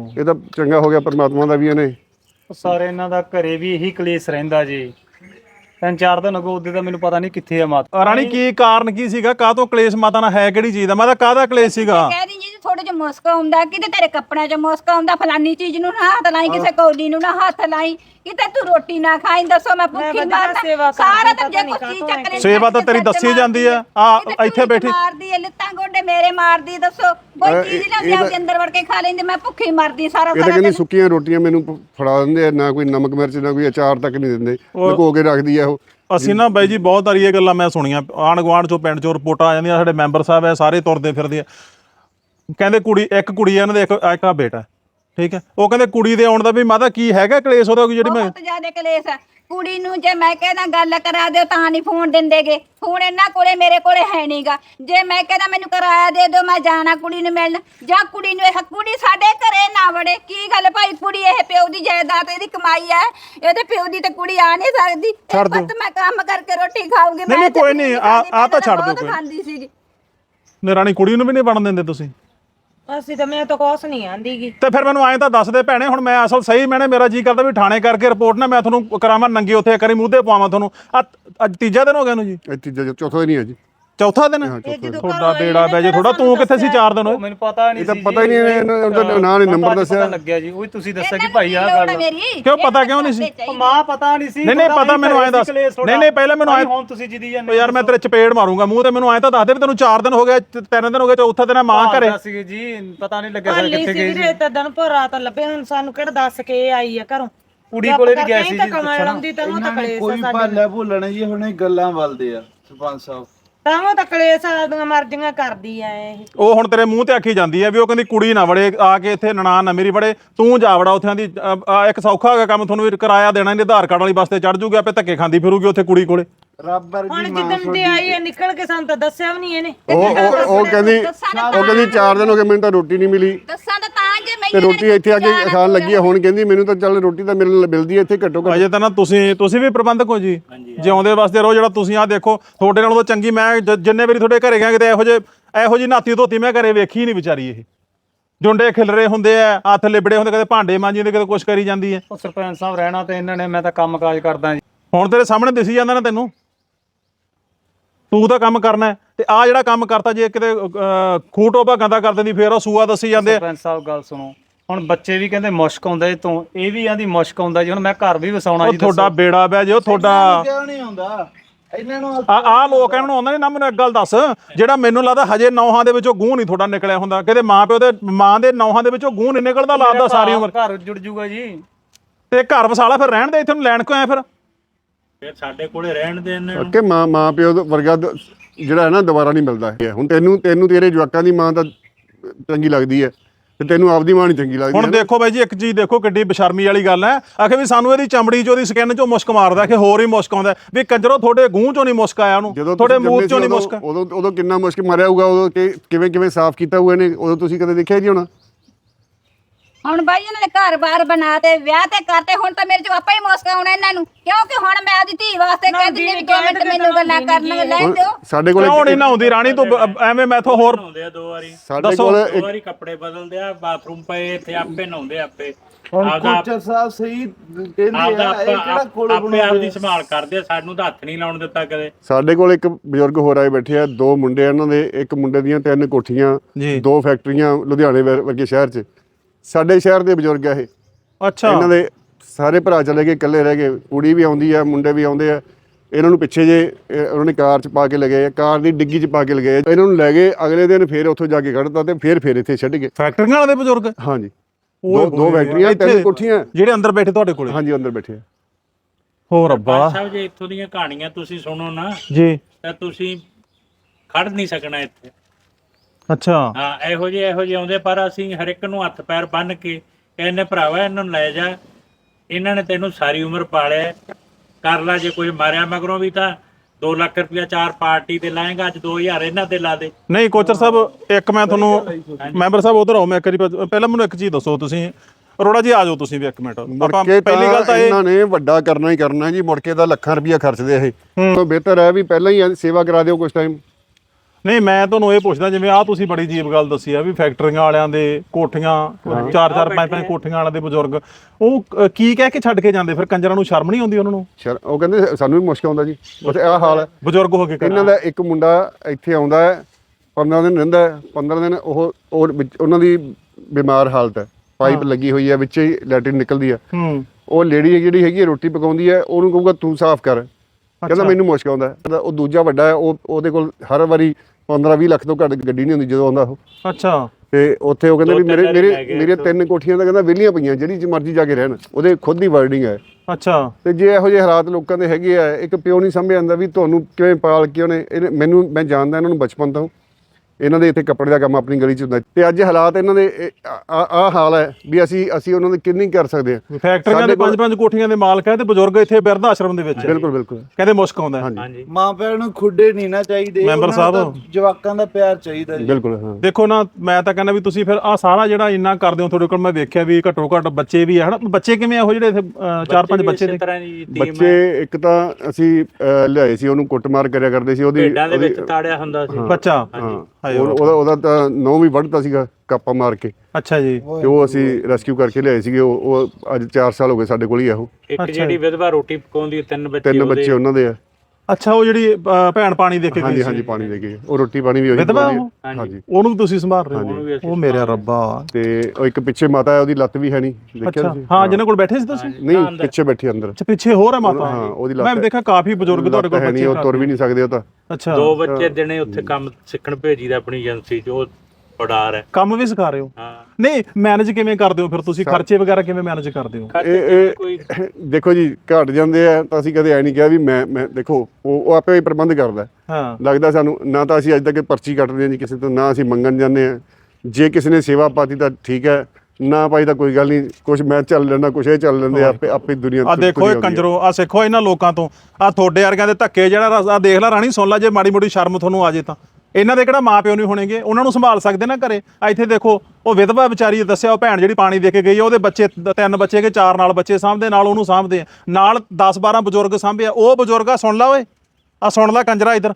S5: ਇਹ ਤਾਂ ਚੰਗਾ ਹੋ ਗਿਆ ਪਰਮਾਤਮਾ ਦਾ ਵੀ ਇਹਨੇ।
S3: ਉਹ ਸਾਰੇ ਇਹਨਾਂ ਦਾ ਘਰੇ ਵੀ ਇਹੀ ਕਲੇਸ਼ ਰਹਿੰਦਾ ਜੀ। ਤਿੰਨ ਚਾਰ ਦਿਨ ਅਗੋ ਉਹਦੇ ਤਾਂ ਮੈਨੂੰ ਪਤਾ ਨਹੀਂ ਕਿੱਥੇ ਆ ਮਾਤਾ।
S4: ਰਾਣੀ ਕੀ ਕਾਰਨ ਕੀ ਸੀਗਾ? ਕਾਹਤੋਂ ਕਲੇਸ਼ ਮਾਤਾ ਨਾਲ ਹੈ ਕਿਹੜੀ ਚੀਜ਼ ਦਾ? ਮਾਤਾ ਕਾਹਦਾ ਕਲੇਸ਼ ਸੀਗਾ?
S6: ਕਹਿ ਦੀ ਜੀ ਥੋੜੇ ਜਿਹਾ ਮੁਸਕ ਆਉਂਦਾ, ਕਿਤੇ ਤੇਰੇ ਕੱਪੜਿਆਂ 'ਚ ਮੁਸਕ ਆਉਂਦਾ, ਫਲਾਨੀ ਚੀਜ਼ ਨੂੰ ਨਾ ਹੱਥ ਲਾਈ, ਕਿਸੇ ਕੌਲੀ ਨੂੰ ਨਾ ਹੱਥ ਲਾਈ, ਕਿਤੇ ਤੂੰ ਰੋਟੀ ਨਾ ਖਾਈ, ਦੱਸੋ ਮੈਂ ਭੁੱਖੀ ਮਾਰਦਾ ਸਾਰਾ ਤਾਂ ਜੇ ਕੋਈ ਚੀਜ਼ ਚੱਕ ਲੈ।
S4: ਸੇਵਾ ਤਾਂ ਤੇਰੀ ਦੱਸੀ ਜਾਂਦੀ ਆ। ਆ ਇੱਥੇ ਬੈਠੀ
S6: ਮਾਰਦੀ ਐ, ਲੱਤਾਂ ਗੋਡੇ ਮੇਰੇ ਮਾਰਦੀ, ਦੱਸੋ ਕੋਈ ਚੀਜ਼ ਨਾ ਲਿਆ ਅੰਦਰ ਵੜ ਕੇ ਖਾ ਲੈਂਦੇ, ਮੈਂ ਭੁੱਖੀ ਮਰਦੀ ਸਾਰਾ
S5: ਇਹ ਤਾਂ ਕਹਿੰਦੀ ਸੁੱਕੀਆਂ ਰੋਟੀਆਂ ਮੈਨੂੰ ਫੜਾ ਦਿੰਦੇ ਆ, ਨਾ ਕੋਈ ਨਮਕ ਮਿਰਚ ਨਾ ਕੋਈ ਅਚਾਰ ਤੱਕ ਨਹੀਂ ਦਿੰਦੇ, ਲੁਕੋ ਕੇ ਰੱਖਦੀ ਆ ਉਹ।
S4: ਅਸੀਂ ਨਾ ਬਾਈ ਜੀ ਬਹੁਤ ਸਾਰੀ ਇਹ ਗੱਲਾਂ ਮੈਂ ਸੁਣੀਆਂ, ਆਂਢ ਗੁਆਂਢ ਚੋਂ ਪਿੰਡ ਚੋਂ ਰਿਪੋਰਟਾਂ ਆ ਜਾਂਦੀਆਂ, ਸਾਡੇ ਮੈਂਬਰ ਸਾਹਿਬ ਐ ਸਾਰੇ ਤੁਰਦੇ ਫਿਰਦੇ ਆ, ਕਹਿੰਦੇ ਕੁੜੀ ਇੱਕ ਕੁੜੀ ਆ ਇਹਨਾਂ ਦੇ ਇੱਕ ਇੱਕ ਆ ਬੇਟਾ, ਠੀਕ ਹੈ। ਉਹ ਕਹਿੰਦੇ ਕੁੜੀ ਦੇ ਆਉਣ ਦਾ ਵੀ ਮਾਤਾ ਕੀ ਹੈਗਾ ਕਲੇਸ਼ ਉਹਦਾ ਕੋਈ ਜਿਹੜੀ ਮੈਂ
S6: ਬਹੁਤ ਜ਼ਿਆਦਾ ਕਲੇਸ਼ ਆ ਕੁੜੀ ਨੂੰ। ਜੇ ਮੈਂ ਕਹਿੰਦਾ ਗੱਲ ਕਰਾ ਦਿਓ ਤਾਂ ਨਹੀਂ ਫੋਨ ਦਿੰਦੇਗੇ, ਫੋਨ ਇਹਨਾਂ ਕੋਲੇ ਮੇਰੇ ਕੋਲੇ ਹੈ ਨਹੀਂਗਾ। ਜੇ ਮੈਂ ਕਹਿੰਦਾ ਮੈਨੂੰ ਕਿਰਾਇਆ ਦੇ ਦਿਓ ਮੈਂ ਜਾਣਾ ਕੁੜੀ ਨੂੰ ਮਿਲਣ, ਜਾਂ ਕੁੜੀ ਨੂੰ ਇਹ ਕੁੜੀ ਸਾਡੇ ਘਰੇ ਨਾ ਵੜੇ। ਕੀ ਗੱਲ ਭਾਈ, ਕੁੜੀ ਇਹ ਪਿਓ ਦੀ ਜਾਇਦਾਦ, ਇਹਦੀ ਕਮਾਈ ਹੈ, ਇਹਦੇ ਪਿਓ ਦੀ ਤੇ ਕੁੜੀ ਆ ਨਹੀਂ ਸਕਦੀ।
S4: ਛੱਡ ਦਿਓ।
S6: ਮੈਂ ਕੰਮ ਕਰਕੇ ਰੋਟੀ ਖਾਊਂਗੀ।
S4: ਨਹੀਂ, ਨਹੀਂ, ਕੋਈ ਨਹੀਂ, ਆ- ਆ ਤਾਂ ਛੱਡ ਦਿਓ ਕੋਈ।
S6: ਖਾਂਦੀ ਸੀਗੀ
S4: ਨੇ ਰਾਣੀ ਕੁੜੀ ਨੂੰ ਵੀ ਨਹੀਂ ਬਣਨ ਦਿੰਦੇ ਤੁਸੀਂ?
S1: ਅਸੀਂ ਤਾਂ ਮੈਂ ਤਾਂ ਕੁਛ ਨਹੀਂ ਆਂਦੀਗੀ।
S4: ਤੇ ਫਿਰ ਮੈਨੂੰ ਐਂ ਤਾਂ ਦੱਸ ਦੇ ਭੈਣੇ, ਹੁਣ ਮੈਂ ਅਸਲ ਸਹੀ ਮੈਨੇ ਮੇਰਾ ਜੀ ਕਰਦਾ ਵੀ ਥਾਣੇ ਕਰਕੇ ਰਿਪੋਰਟ ਨਾ ਮੈਂ ਤੁਹਾਨੂੰ ਕਰਾਵਾਂ ਨੰਗੇ, ਉੱਥੇ ਕਰੀ ਮੂੰਹ ਤੇ ਪਵਾਵਾਂ ਤੁਹਾਨੂੰ। ਅੱਜ ਤੀਜਾ ਦਿਨ ਹੋ ਗਿਆ ਨੂੰ ਜੀ,
S5: ਇਹ ਤੀਜਾ ਚੌਥਾ ਹੀ ਨਹੀਂ ਹੈ ਜੀ,
S4: ਚੌਥਾ ਦਿਨ। ਤੁਹਾਡਾ ਬੇੜਾ ਬੈ ਜੇ ਥੋੜਾ, ਤੂੰ ਕਿੱਥੇ ਸੀ ਚਾਰ ਦਿਨ ਹੋਏ?
S3: ਮੈਨੂੰ ਪਤਾ ਨਹੀਂ
S5: ਇਹ ਤਾਂ ਪਤਾ ਹੀ ਨਹੀਂ ਉਹਦਾ ਨਾਂ ਨਹੀਂ ਨੰਬਰ ਦੱਸਿਆ
S3: ਲੱਗਿਆ ਜੀ। ਉਹੀ ਤੁਸੀਂ ਦੱਸਿਆ ਕਿ ਭਾਈ ਆ ਗੱਲ
S4: ਕਿਉਂ ਪਤਾ ਕਿਉਂ ਨਹੀਂ ਸੀ?
S3: ਉਹ ਮਾਂ ਪਤਾ ਨਹੀਂ ਸੀ।
S4: ਨਹੀਂ ਨਹੀਂ ਪਤਾ ਮੈਨੂੰ ਐਂ ਦੱਸ। ਨਹੀਂ ਨਹੀਂ ਪਹਿਲਾਂ ਮੈਨੂੰ ਐਂ,
S3: ਹੁਣ ਤੁਸੀਂ ਜਿੱਦੀ ਜਾਂਦੇ
S4: ਓ ਯਾਰ ਮੈਂ ਤੇਰੇ ਚਪੇੜ ਮਾਰੂੰਗਾ ਮੂੰਹ ਤੇ, ਮੈਨੂੰ ਐਂ ਤਾਂ ਦੱਸ ਦੇ ਵੀ ਤੈਨੂੰ ਚਾਰ ਦਿਨ ਹੋ ਗਏ, ਤਿੰਨ ਦਿਨ ਹੋ ਗਏ, ਚੌਥਾ ਦਿਨ ਮਾਂ ਘਰੇ
S3: ਸੀਗੇ ਜੀ, ਪਤਾ ਨਹੀਂ ਲੱਗਿਆ ਸਰ
S1: ਹਾਲੀ
S3: ਕਿੱਥੇ
S1: ਸੀ
S3: ਗਏ
S1: ਵੀਰੇ ਤਾਂ ਦਿਨ ਭਰ ਰਾਤ ਲੱਭੇ, ਹੁਣ ਸਾਨੂੰ ਕਿਹੜਾ ਦੱਸ ਕੇ ਆਈ ਆ ਘਰੋਂ।
S3: ਕੁੜੀ ਕੋਲੇ ਵੀ ਗਿਆ ਸੀ ਜੀ।
S1: ਕਮਲਮ ਦੀ ਤਾਂ ਉਹ ਤਾਂ ਕਲੇਸ਼ ਆ ਸਾਡੇ।
S2: ਭਾਲਿਆ ਭੁੱਲਣਾ ਜੀ, ਹੁਣ ਇਹ ਗੱਲਾਂ ਵੱਲਦੇ ਆ ਸਰਪੰਚ ਸਾਹਿਬ।
S1: ਤਾਂ ਉਹ ਤਾਂ ਕਲੇਸ਼ ਆਦੀਆਂ ਮਰਜ਼ੀਆਂ ਕਰਦੀ ਆ ਇਹ।
S4: ਉਹ ਹੁਣ ਤੇਰੇ ਮੂੰਹ ਤੇ ਆਖੀ ਜਾਂਦੀ ਹੈ ਵੀ ਉਹ ਕਹਿੰਦੀ ਕੁੜੀ ਨਾ ਵੜੇ ਆ ਕੇ ਇੱਥੇ, ਨਨਾਣ ਨਾ ਮੇਰੀ ਵੜੇ, ਤੂੰ ਜਾ ਵੜਾ ਉੱਥੇ ਦੀ। ਇੱਕ ਸੌਖਾ ਹੈਗਾ ਕੰਮ, ਤੁਹਾਨੂੰ ਵੀ ਕਿਰਾਇਆ ਦੇਣਾ, ਇਹਦੇ ਆਧਾਰ ਕਾਰਡ ਵਾਲੀ ਬੱਸ ਤੇ ਚੜ ਜੂਗੀ, ਆਪੇ ਧੱਕੇ ਖਾਂਦੀ ਫਿਰੂਗੀ ਉੱਥੇ ਕੁੜੀ ਕੋਲੇ।
S2: ਰੱਬ
S1: ਹੁਣ
S2: ਵਰਗੀ ਮਾਂ
S1: ਜਿੱਦਣ ਦੀ ਆਈ ਹੈ ਨਿਕਲ ਕੇ ਸਾਨੂੰ ਤਾਂ ਦੱਸਿਆ ਵੀ ਨਹੀਂ ਇਹਨੇ।
S5: ਉਹ ਉਹ ਉਹ ਕਹਿੰਦੀ ਉਹ ਕਹਿੰਦੀ ਚਾਰ ਦਿਨ ਹੋ ਗਏ ਮੈਨੂੰ ਤਾਂ ਰੋਟੀ ਨਹੀਂ ਮਿਲੀ,
S6: ਦੱਸਾਂ ਤਾਂ ਤਾਂ ਜੇ
S5: ਤੇ
S6: ਮੈਨੂੰ
S5: ਰੋਟੀ ਇੱਥੇ ਆ ਕੇ ਖਾਣ ਲੱਗੀ ਆ। ਹੁਣ ਕਹਿੰਦੀ ਮੈਨੂੰ ਤਾਂ ਚੱਲ ਰੋਟੀ ਤਾਂ ਮਿਲਣ ਮਿਲਦੀ ਹੈ ਇੱਥੇ ਘੱਟੋ ਘੱਟ।
S4: ਅਜੇ ਤਾਂ ਨਾ ਤੁਸੀਂ ਤੁਸੀਂ ਵੀ ਪ੍ਰਬੰਧਕ ਹੋ ਜੀ, ਜਿਉਂਦੇ ਵਾਸਤੇ ਰਹੋ। ਜਿਹੜਾ ਤੁਸੀਂ ਆ ਦੇਖੋ, ਤੁਹਾਡੇ ਨਾਲੋਂ ਤਾਂ ਚੰਗੀ ਮੈਂ ਜ- ਜਿੰਨੇ ਵਾਰੀ ਤੁਹਾਡੇ ਘਰੇ ਗਿਆ ਕਿਤੇ ਇਹੋ ਜਿਹੇ ਇਹੋ ਜਿਹੀ ਨਾਤੀ ਧੋਤੀ ਮੈਂ ਘਰੇ ਵੇਖੀ ਨਹੀਂ ਵਿਚਾਰੀ। ਇਹ ਜੁੰਡੇ ਖਿਲਰੇ ਹੁੰਦੇ ਆ, ਹੱਥ ਲਿਬੜੇ ਹੁੰਦੇ, ਕਦੇ ਭਾਂਡੇ ਮਾਂਜੀ ਜਾਂਦੇ, ਕਦੇ ਕੁਛ ਕਰੀ ਜਾਂਦੀ ਹੈ।
S3: ਉਹ ਸਰਪੰਚ ਸਾਹਿਬ ਰਹਿਣਾ ਤੇ ਇਹਨਾਂ ਨੇ, ਮੈਂ ਤਾਂ ਕੰਮ ਕਾਜ ਕਰਦਾ ਜੀ।
S4: ਹੁਣ ਤੇਰੇ ਸਾਹਮਣੇ ਦਿਸੀ ਜਾਂਦਾ ਨਾ ਤੈਨੂੰ, ਤੂੰ ਤਾਂ ਕੰਮ ਕਰਨਾ ਹੈ। ਤੇ ਆ ਜਿਹੜਾ ਕੰਮ ਕਰਤਾ, ਜੇ ਕਿਤੇ ਖੂਟੋ ਭਾਗਾਂ ਦਾ ਕਰ ਦਿੰਦੀ ਫੇਰ ਉਹ ਸੂਆ ਦੱਸੀ ਜਾਂਦੇ ਆ।
S3: ਸਰਪੰਚ ਸਾਹਿਬ ਗੱਲ ਸੁਣੋ, ਹੁਣ ਬੱਚੇ ਵੀ ਕਹਿੰਦੇ ਮੁਸ਼ਕ ਆਉਂਦਾ ਇਹ ਤੋਂ, ਇਹ ਵੀ ਆਂਦੀ ਮੁਸ਼ਕ ਆਉਂਦਾ ਜੀ। ਹੁਣ ਮੈਂ ਘਰ ਵੀ ਵਸਾਉਣਾ
S4: ਉਹ
S3: ਜੀ।
S4: ਤੁਹਾਡਾ ਬੇੜਾ ਬੈ ਜੇ, ਉਹ ਤੁਹਾਡਾ
S2: ਕਿਉਂ ਨਹੀਂ ਆਉਂਦਾ ਇਹਨਾਂ ਨੂੰ?
S4: ਆ ਆ ਲੋਕ ਇਹਨਾਂ ਨੂੰ ਆਉਂਦਾ ਨਹੀਂ ਨਾ। ਮੈਨੂੰ ਇੱਕ ਗੱਲ ਦੱਸ, ਜਿਹੜਾ ਮੈਨੂੰ ਲੱਗਦਾ ਹਜੇ ਨੌਹਾਂ ਦੇ ਵਿੱਚੋਂ ਗੂੰ ਨਹੀਂ ਤੁਹਾਡਾ ਨਿਕਲਿਆ ਹੁੰਦਾ, ਕਿਤੇ ਮਾਂ ਪਿਓ ਦੇ ਮਾਂ ਦੇ ਨੌਹਾਂ ਦੇ ਵਿੱਚੋਂ ਗੂੰ ਨਹੀਂ ਨਿਕਲਦਾ ਲੱਗਦਾ ਸਾਰੀ ਉਮਰ।
S3: ਘਰ ਜੁੜ ਜੂਗਾ ਜੀ।
S4: ਤੇ ਘਰ ਵਸਾਲਾ ਫਿਰ ਰਹਿਣ ਦੇ, ਇੱਥੇ ਨੂੰ ਲੈਣ ਕਿਉਂ ਆਇਆ ਫਿਰ?
S7: ਫਿਰ ਸਾਡੇ ਕੋਲੇ ਰਹਿਣ ਦੇ ਇਹਨਾਂ ਨੂੰ।
S5: ਕਿ ਮਾਂ ਮਾਂ ਪਿਓ ਦਾ ਵਰਗਾ ਦ- ਜਿਹੜਾ ਹੈ ਨਾ ਦੁਬਾਰਾ ਨਹੀਂ ਮਿਲਦਾ ਹੈ। ਹੁਣ ਤੈਨੂੰ ਤੈਨੂੰ ਤੇਰੇ ਜਵਾਕਾਂ ਦੀ ਮਾਂ ਤਾਂ ਚੰਗੀ ਲੱਗਦੀ ਹੈ, ਤੇ ਤੈਨੂੰ ਆਪਦੀ ਮਾਂ ਨਹੀਂ ਚੰਗੀ ਲੱਗਦੀ।
S4: ਹੁਣ ਦੇਖੋ ਬਾਈ ਜੀ, ਇੱਕ ਚੀਜ਼ ਦੇਖੋ ਕਿੱਡੀ ਬੇਸ਼ਰਮੀ ਵਾਲੀ ਗੱਲ ਹੈ। ਆਖੇ ਵੀ ਸਾਨੂੰ ਇਹਦੀ ਚਮੜੀ ਚੋਂ, ਉਹਦੀ ਸਕਿਨ ਚੋਂ ਮੁਸ਼ਕ ਮਾਰਦਾ, ਕਿ ਹੋਰ ਹੀ ਮੁਸ਼ਕ ਆਉਂਦਾ। ਵੀ ਕੰਜਰੋ ਤੁਹਾਡੇ ਗੂੰ ਚੋਂ ਨਹੀਂ ਮੁਸ਼ਕ ਆਇਆ ਉਹਨੂੰ,
S5: ਜਦੋਂ
S4: ਤੁਹਾਡੇ
S5: ਤੁਸੀਂ
S4: ਮੂੰਹ
S5: ਜੰਮੇ
S4: ਚੋਂ ਨਹੀਂ
S5: ਸੀ
S4: ਮੁਸ਼ਕ।
S5: ਉਦੋਂ ਉਦੋਂ ਉਦੋਂ ਕਿੰਨਾ ਮੁਸ਼ਕ ਮਾਰਿਆ ਹੋਊਗਾ, ਉਦੋਂ ਕਿ ਕਿਵੇਂ ਕਿਵੇਂ ਸਾਫ਼ ਕੀਤਾ ਹੋਇਆ ਨੇ, ਉਦੋਂ ਤੁਸੀਂ ਕਦੇ ਦੇਖਿਆ ਜੀ ਹੋਣਾ।
S6: ਹੁਣ ਬਾਈ ਇਹਨਾਂ ਨੇ ਘਰ-ਬਾਰ ਬਣਾ ਤੇ ਵਿਆਹ ਤੇ ਕਰਤੇ, ਹੁਣ ਤਾਂ ਮੇਰੇ ਚ ਆਪੇ ਹੀ ਮੁਸਕ ਆਉਣਾ ਇਹਨਾਂ ਨੂੰ, ਕਿਉਂਕਿ ਹੁਣ ਮੈਂ ਆਪਦੀ ਧੀ ਵਾਸਤੇ ਕਹਿੰਦੀ ਨੇ ਵੀ ਦੋ ਮਿੰਟ ਮੈਨੂੰ ਗੱਲਾਂ ਕਰਨ ਲੈ
S5: ਹੁਣ
S6: ਦਿਓ।
S5: ਸਾਡੇ ਕੋਲ
S4: ਕਿਉਂ ਨਹੀਂ ਨਹਾਉਂਦੀ ਰਾਣੀ ਤੂੰ? ਬ- ਐਵੇਂ ਮੈਥੋਂ ਹੋਰ
S7: ਨਹਾਉਂਦੇ ਆ ਦੋ ਵਾਰੀ,
S5: ਸਾਡੇ ਕੋਲ
S7: ਦੋ
S5: ਇੱਕ
S7: ਵਾਰੀ ਕੱਪੜੇ ਬਦਲਦੇ ਆ, ਬਾਥਰੂਮ ਪਏ ਇੱਥੇ ਆਪੇ ਨਹਾਉਂਦੇ ਆਪੇ।
S2: ਹੁਣ
S7: ਆਪਦਾ
S2: ਕੋਚਰ ਸਾਹਿਬ ਸਹੀ ਕਹਿੰਦੇ
S7: ਆਪਦਾ
S2: ਆ, ਇਹ ਕਿਹੜਾ ਕੋਲ
S7: ਆਪੇ ਆਪਦੀ ਸੰਭਾਲ ਕਰਦੇ ਆ, ਸਾਨੂੰ ਤਾਂ ਹੱਥ ਨਹੀਂ ਲਾਉਣ ਦਿੱਤਾ ਕਦੇ।
S5: ਸਾਡੇ ਕੋਲ ਇੱਕ ਬਜ਼ੁਰਗ ਹੋਰ ਆਏ ਬੈਠੇ ਆ, ਦੋ ਮੁੰਡੇ ਆ ਇਹਨਾਂ ਦੇ, ਇੱਕ ਮੁੰਡੇ ਦੀਆਂ ਤਿੰਨ ਕੋਠੀਆਂ,
S4: ਜੀ।
S5: ਦੋ ਫੈਕਟਰੀਆਂ ਲੁਧਿਆਣੇ ਵਰ- ਵਰਗੇ ਸ਼ਹਿਰ 'ਚ। ਸਾਡੇ ਸ਼ਹਿਰ ਦੇ ਬਜ਼ੁਰਗ ਆ ਇਹ।
S4: ਅੱਛਾ,
S5: ਇਹਨਾਂ ਦੇ ਸਾਰੇ ਭਰਾ ਚਲੇ ਗਏ, ਇਕੱਲੇ ਰਹਿ ਗਏ। ਕੁੜੀ ਵੀ ਆਉਂਦੀ ਆ, ਮੁੰਡੇ ਵੀ ਆਉਂਦੇ ਆ। ਇਹਨਾਂ ਨੂੰ ਪਿੱਛੇ ਜੇ ਇਹ ਉਹਨਾਂ ਨੇ ਕਾਰ 'ਚ ਪਾ ਕੇ ਲਗਾਏ, ਕਾਰ ਦੀ ਡਿੱਗੀ 'ਚ ਪਾ ਕੇ ਲਗਾਏ। ਇਹਨਾਂ ਨੂੰ ਲੈ ਗਏ, ਅਗਲੇ ਦਿਨ ਫੇਰ ਉੱਥੋਂ ਜਾ ਕੇ ਕੱਢਤਾ ਤੇ ਫੇਰ ਫੇਰ ਇੱਥੇ ਛੱਡ ਗਏ।
S4: ਫੈਕਟਰੀਆਂ ਵਾਲੇ ਦੇ ਬਜ਼ੁਰਗ?
S5: ਹਾਂਜੀ, ਦੋ ਦੋ ਫੈਕਟਰੀਆਂ, ਤਿੰਨ ਕੋਠੀਆਂ।
S4: ਜਿਹੜੇ ਅੰਦਰ ਬੈਠੇ ਤੁਹਾਡੇ ਕੋਲੇ?
S5: ਹਾਂਜੀ, ਅੰਦਰ ਬੈਠੇ ਆ।
S4: ਹੋ ਰੱਬਾ
S7: ਸਾਹਿਬ ਜੇ ਇੱਥੋਂ ਦੀਆਂ ਕਹਾਣੀਆਂ ਤੁਸੀਂ ਸੁਣੋ ਨਾ
S4: ਜੀ,
S7: ਤਾਂ ਤੁਸੀਂ ਖੜ ਨਹੀਂ ਸਕਣਾ ਇੱਥੇ।
S4: ਅੱਛਾ।
S7: ਹਾਂ, ਇਹੋ ਜਿਹੇ ਇਹੋ ਜਿਹੇ ਆਉਂਦੇ, ਪਰ ਅਸੀਂ ਹਰ ਇੱਕ ਨੂੰ ਹੱਥ ਪੈਰ ਬੰਨ ਕੇ ਕਹਿੰਦੇ ਭਰਾਵਾ ਇਹਨਾਂ ਨੂੰ ਲੈ ਜਾ, ਇਹਨਾਂ ਨੇ ਤੈਨੂੰ ਸਾਰੀ ਉਮਰ ਪਾਲਿਆ, ਕਰ ਲਾ। ਜੇ ਕੋਈ ਮਾਰਿਆ ਮਗਰੋਂ ਵੀ ਤਾਂ ਦੋ ਲੱਖ ਰੁਪਇਆ ਚਾਰ ਪਾਰਟੀ ਤੇ ਲਾਏਗਾ, ਅੱਜ ਦੋ ਹਜ਼ਾਰ ਇਹਨਾਂ ਤੇ ਲਾ ਦੇ।
S4: ਨਹੀਂ ਕੋਚਰ ਸਾਹਿਬ, ਇੱਕ ਮੈਂ ਤੁਹਾਨੂੰ ਮੈਂਬਰ ਸਾਹਿਬ ਉਧਰ ਆਓ, ਮੈਂ ਇੱਕ ਵਾਰੀ ਪ- ਪਹਿਲਾਂ ਮੈਨੂੰ ਇੱਕ ਚੀਜ਼ ਦੱਸੋ ਤੁਸੀਂ। ਅਰੋੜਾ ਜੀ ਆ ਜਾਓ ਤੁਸੀਂ ਵੀ ਇੱਕ ਮਿੰਟ। ਆਪਾਂ
S5: ਮੁੜਕੇ
S4: ਪਹਿਲੀ ਗੱਲ ਤਾਂ ਇਹ,
S5: ਇਹਨਾਂ ਨੇ ਵੱਡਾ ਕਰਨਾ ਹੀ ਕਰਨਾ ਜੀ। ਮੁੜਕੇ ਦਾ ਲੱਖਾਂ ਰੁਪਇਆ ਖਰਚਦੇ ਇਹ। ਤੋਂ ਬਿਹਤਰ ਹੈ ਵੀ ਪਹਿਲਾਂ ਹੀ ਸੇਵਾ ਕਰਾ ਦਿਓ ਕੁਝ ਟਾਈਮ।
S4: ਨਹੀਂ ਮੈਂ ਤੁਹਾਨੂੰ ਇਹ ਪੁੱਛਦਾ ਜਿਵੇਂ ਆ ਤੁਸੀਂ ਬੜੀ ਅਜੀਬ ਗੱਲ ਦੱਸੀ ਆ ਵੀ ਫੈਕਟਰੀਆਂ ਵਾਲਿਆਂ ਦੇ ਕੋਠੀਆਂ ਚਾਰ ਚਾਰ ਪੰਜ ਪੰਜ ਕੋਠੀਆਂ ਵਾਲਿਆਂ ਦੇ ਬਜ਼ੁਰਗ ਉਹ ਅ, ਕੀ ਕਹਿ ਕੇ ਛੱਡ ਕੇ ਜਾਂਦੇ ਫਿਰ ਕੰਜਰਾਂ ਨੂੰ ਸ਼ਰਮ ਨਹੀਂ ਆਉਂਦੀ ਉਹਨਾਂ ਨੂੰ?
S5: ਸ਼ਰ ਉਹ ਕਹਿੰਦੇ ਸਾਨੂੰ ਵੀ ਮੁਸ਼ਕ ਆਉਂਦਾ ਜੀ, ਉੱਥੇ ਆਹ ਹਾਲ ਹੈ।
S4: ਬਜ਼ੁਰਗ ਹੋ ਕੇ
S5: ਇਹਨਾਂ ਦਾ ਇੱਕ ਮੁੰਡਾ ਇੱਥੇ ਆਉਂਦਾ ਹੈ, ਪੰਦਰਾਂ ਦਿਨ ਰਹਿੰਦਾ ਹੈ, ਪੰਦਰਾਂ ਦਿਨ ਉਹ ਉਹ ਵਿੱਚ ਉਹਨਾਂ ਦੀ ਬਿਮਾਰ ਹਾਲਤ ਹੈ, ਪਾਈਪ ਲੱਗੀ ਹੋਈ ਹੈ, ਵਿੱਚ ਹੀ ਲੈਟਰਿਨ ਨਿਕਲਦੀ ਹੈ।
S4: ਹੂੰ
S5: ਉਹ ਲੇਡੀ ਜਿਹੜੀ ਹੈਗੀ ਹੈ ਰੋਟੀ ਪਕਾਉਂਦੀ ਹੈ, ਉਹਨੂੰ ਕਹੂਗਾ ਤੂੰ ਸਾਫ਼ ਕਰ, ਕਹਿੰਦਾ ਮੈਨੂੰ ਮੁਸ਼ਕ ਆਉਂਦਾ ਹੈ। ਉਹ ਦੂਜਾ ਵੱਡਾ ਹੈ, ਉਹ ਉਹਦੇ ਕੋਲ ਹਰ ਵਾਰੀ ਪੰਦਰਾਂ ਵੀਹ ਲੱਖ ਤੋਂ ਘੱਟ ਗੱਡੀ ਨਹੀਂ ਹੁੰਦੀ ਜਦੋਂ ਆਉਂਦਾ ਉਹ।
S4: ਅੱਛਾ
S5: ਤੇ ਉੱਥੇ ਉਹ ਕਹਿੰਦੇ ਵੀ
S7: ਦੋ
S5: ਮੇਰੇ
S7: ਤਿੰਨ
S5: ਮੇਰੇ
S7: ਹੈਗੇ ਆ
S5: ਮੇਰੇ ਤਿੰਨ ਕੋਠੀਆਂ ਤਾਂ ਕਹਿੰਦਾ ਵਿਹਲੀਆਂ ਪਈਆਂ, ਜਿਹੜੀ ਚ ਮਰਜ਼ੀ ਜਾ ਕੇ ਰਹਿਣ, ਉਹਦੇ ਖੁਦ ਦੀ ਵਰਡਿੰਗ ਹੈ।
S4: ਅੱਛਾ
S5: ਤੇ ਜੇ ਇਹੋ ਜਿਹੇ ਹਾਲਾਤ ਲੋਕਾਂ ਦੇ ਹੈਗੇ ਆ, ਇੱਕ ਪਿਓ ਨਹੀਂ ਸਮਝ ਆਉਂਦਾ ਵੀ ਤੁਹਾਨੂੰ ਕਿਵੇਂ ਪਾਲ ਕੇ ਉਹਨੇ ਇਹਨੇ- ਮੈਨੂੰ ਮੈਂ ਜਾਣਦਾ ਇਹਨਾਂ ਨੂੰ ਬਚਪਨ ਤੋਂ, ਇਹਨਾਂ ਦੇ ਇੱਥੇ ਕੱਪੜੇ ਦਾ ਕੰਮ ਆਪਣੀ ਗਲੀ 'ਚ ਹੁੰਦਾ, ਤੇ ਅੱਜ ਹਾਲਾਤ ਇਹਨਾਂ ਦੇ ਆਹ ਹਾਲ ਹੈ ਵੀ ਅਸੀਂ ਅਸੀਂ ਉਹਨਾਂ ਦੀ ਕਿੰਨੀ ਕਰ ਸਕਦੇ ਹਾਂ।
S4: ਫੈਕਟਰੀਆਂ ਦੇ ਪੰਜ ਪੰਜ ਕੋਠੀਆਂ ਦੇ ਮਾਲਕ ਹੈ ਤੇ ਬਜ਼ੁਰਗ ਇੱਥੇ ਬਿਰਧ ਆਸ਼ਰਮ ਦੇ ਵਿੱਚ ਹੈ।
S5: ਬਿਲਕੁਲ ਬਿਲਕੁਲ
S4: ਕਹਿੰਦੇ ਮੁਸ਼ਕ ਆਉਂਦਾ ਹੈ।
S7: ਹਾਂਜੀ
S2: ਮਾਂ ਪਿਓ ਨੂੰ ਖੁੱਡੇ ਨਹੀਂ ਨਾ ਚਾਹੀਦੇ,
S4: ਮੈਂਬਰ
S2: ਉਹਨਾਂ ਨੂੰ
S4: ਸਾਹਿਬ।
S2: ਤਾਂ ਜਵਾਕਾਂ ਦਾ ਪਿਆਰ ਚਾਹੀਦਾ ਜੀ।
S5: ਬਿਲਕੁਲ ਹਾਂ।
S4: ਦੇਖੋ ਨਾ ਮੈਂ ਤਾਂ ਕਹਿੰਦਾ ਵੀ ਤੁਸੀਂ ਫਿਰ ਆ ਸਾਰਾ ਜਿਹੜਾ ਇੰਨਾ ਕਰਦੇ ਹੋ ਤੁਹਾਡੇ ਕੋਲ ਮੈਂ ਵੇਖਿਆ ਵੀ ਘੱਟੋ ਘੱਟ ਬੱਚੇ ਵੀ ਹੈ ਹਨਾ, ਬੱਚੇ ਕਿਵੇਂ ਇਹੋ ਜਿਹੜੇ ਇੱਥੇ ਅ, ਚਾਰ ਪੰਜ ਬੱਚੇ
S7: ਇਸੇ
S4: ਨੇ?
S7: ਤਰ੍ਹਾਂ ਦੀ ਟੀਮ
S5: ਬੱਚੇ ਇੱਕ ਤਾਂ ਅਸੀਂ ਅਹ, ਲਿਆਏ ਸੀ, ਉਹਨੂੰ ਕੁੱਟਮਾਰ ਕਰਿਆ ਕਰਦੇ ਸੀ, ਉਹਦੀ
S7: ਭੇਡਾਂ ਦੇ ਵਿੱਚ ਤਾੜਿਆ ਹੁੰਦਾ ਸੀ।
S4: ਬੱਚਾ
S5: ਹਾਂ
S4: ਹਾਏ
S5: ਉਹ- ਉਹਦਾ ਉਹਦਾ ਤਾਂ ਨੌਂ ਵੀ ਵੱਢਤਾ ਸੀਗਾ ਕਾਪਾ ਮਾਰ ਕੇ,
S4: ਅੱਛਾ ਜੀ
S5: ਤੇ ਉਹ ਅਸੀਂ ਰੈਸਕਿਊ ਕਰਕੇ ਲਿਆਏ ਸੀਗੇ। ਉਹ ਉਹ ਅੱਜ ਚਾਰ ਸਾਲ ਹੋ ਗਏ ਸਾਡੇ ਕੋਲ ਹੀ ਆ ਉਹ।
S7: ਇੱਕ ਜਿਹੜੀ ਵਿਧਵਾ ਰੋਟੀ ਪਕਾਉਂਦੀ ਤਿੰਨ ਬੱਚੇ
S5: ਤਿੰਨ
S7: ਉਹਦੇ।
S5: ਬੱਚੇ ਉਹਨਾਂ ਦੇ ਆ।
S4: ਅੱਛਾ ਉਹ ਜਿਹੜੀ ਅ, ਭੈਣ ਪਾਣੀ ਦੇ ਕੇ ਗਈ
S5: ਹਾਂਜੀ
S4: ਸੀ
S5: ਹਾਂਜੀ ਪਾਣੀ ਦੇ ਕੇ, ਉਹ ਰੋਟੀ ਪਾਣੀ ਵੀ ਉਹੀ
S4: ਵਿਧਵਾ
S5: ਬਣਾਉਂਦੀ
S4: ਉਹ?
S5: ਆ। ਹਾਂਜੀ
S4: ਉਹਨੂੰ ਵੀ ਤੁਸੀਂ ਸੰਭਾਲ ਰਹੇ
S7: ਉਹਨੂੰ ਵੀ
S4: ਹੋ?
S7: ਅਸੀਂ
S4: ਉਹ ਮੇਰਾ ਰੱਬਾ।
S5: ਤੇ ਉਹ ਇੱਕ ਪਿੱਛੇ ਮਾਤਾ ਹੈ, ਉਹਦੀ ਲੱਤ ਵੀ ਹੈ ਨਹੀਂ, ਦੇਖਿਆ
S4: ਅੱਛਾ
S5: ਤੁਸੀਂ?
S4: ਹਾਂ ਜਿਹਨਾਂ ਕੋਲ ਬੈਠੇ ਸੀ ਤੁਸੀਂ?
S5: ਨਹੀਂ ਪਿੱਛੇ ਬੈਠੀ ਅੰਦਰ।
S4: ਅੱਛਾ ਪਿੱਛੇ ਹੋਰ ਹੈ ਮਾਤਾ?
S5: ਹਾਂ, ਉਹਦੀ ਲੱਤ
S4: ਮੈਂ ਦੇਖਿਆ ਕਾਫੀ ਬਜ਼ੁਰਗ ਤੁਹਾਡੇ ਕੋਲ
S5: ਹੈ ਨਹੀਂ,
S4: ਬੱਚੇ
S5: ਉਹ ਤੁਰ ਵੀ ਨਹੀਂ ਸਕਦੇ ਉਹ ਤਾਂ।
S4: ਅੱਛਾ
S7: ਦੋ ਬੱਚੇ ਦਿਨੇ ਉੱਥੇ ਕੰਮ ਸਿੱਖਣ ਭੇਜੀਦਾ ਆਪਣੀ ਏਜੰਸੀ 'ਚ, ਉਹ ਉਡਾਰ ਹੈ।
S4: ਕੰਮ ਵੀ ਸਿਖਾ ਰਹੇ ਹੋ?
S7: ਹਾਂ
S4: ਨਹੀਂ ਮੈਨੇਜ ਕਿਵੇਂ ਕਰਦੇ ਹੋ ਫਿਰ ਤੁਸੀਂ, ਖਰਚੇ ਵਗੈਰਾ ਕਿਵੇਂ ਮੈਨੇਜ ਕਰਦੇ ਹੋ?
S7: ਖਰਚੇ
S5: ਇਹ ਇਹ
S7: ਕੋਈ
S5: ਦੇਖੋ ਜੀ ਘਟ ਜਾਂਦੇ ਆ ਤਾਂ ਅਸੀਂ ਕਦੇ ਐ ਨਹੀਂ ਕਿਹਾ ਵੀ ਮੈਂ ਮੈਂ ਦੇਖੋ ਉਹ ਉਹ ਆਪੇ ਹੀ ਪ੍ਰਬੰਧ ਕਰਦਾ।
S4: ਹਾਂ
S5: ਲੱਗਦਾ ਸਾਨੂੰ ਨਾ ਤਾਂ ਅਸੀਂ ਅੱਜ ਤੱਕ ਪਰਚੀ ਕੱਟਦੇ ਹਾਂ ਜੀ ਕਿਸੇ ਤੋਂ, ਨਾ ਅਸੀਂ ਮੰਗਣ ਜਾਂਦੇ ਆ। ਜੇ ਕਿਸੇ ਨੇ ਸੇਵਾ ਪਾਤੀ ਤਾਂ ਠੀਕ ਹੈ, ਨਾ ਪਾਈ ਤਾਂ ਕੋਈ ਗੱਲ ਨਹੀਂ, ਕੁਝ ਮੈਂ ਚੱਲ ਲੈਣਾ, ਕੁਝ ਇਹ ਚੱਲ ਲੈਂਦੇ ਆ, ਆਪੇ ਆਪੇ ਦੁਨੀਆ
S4: ਆ ਦੇਖੋ ਇਹ ਕੰਜਰੋ, ਆ ਸਿੱਖੋ ਇਹਨਾਂ ਲੋਕਾਂ ਤੋਂ। ਆ ਤੁਹਾਡੇ ਵਰਗਿਆਂ ਦੇ ਧੱਕੇ ਜਿਹੜਾ ਆ ਦੇਖ ਲੈ ਰਾਣੀ, ਸੁਣ ਲੈ, ਜੇ ਮਾੜੀ ਮੋਟੀ ਸ਼ਰਮ ਤੁਹਾਨੂੰ ਆ ਜੇ ਤਾਂ ਇਹਨਾਂ ਦੇ ਕਿਹੜਾ ਮਾਂ ਪਿਓ ਨਹੀਂ ਹੋਣਗੇ, ਉਹਨਾਂ ਨੂੰ ਸੰਭਾਲ ਸਕਦੇ ਨਾ ਘਰੇ। ਆ ਇੱਥੇ ਦੇਖੋ ਉਹ ਵਿਧਵਾ ਵਿਚਾਰੀ ਦੱਸਿਆ, ਉਹ ਭੈਣ ਜਿਹੜੀ ਪਾਣੀ ਦੇ ਕੇ ਗਈ ਆ, ਉਹਦੇ ਬੱਚੇ ਤਿੰਨ ਬੱਚੇ ਕੇ ਚਾਰ ਨਾਲ ਬੱਚੇ ਸਾਂਭਦੇ, ਨਾਲ ਉਹਨੂੰ ਸਾਂਭਦੇ ਆ, ਨਾਲ ਦਸ ਬਾਰਾਂ ਬਜ਼ੁਰਗ ਸਾਂਭੇ ਆ। ਉਹ ਬਜ਼ੁਰਗ ਆ ਸੁਣ ਲਾ ਓਏ, ਆ ਸੁਣ ਲੈ ਕੰਜਰਾ ਇੱਧਰ।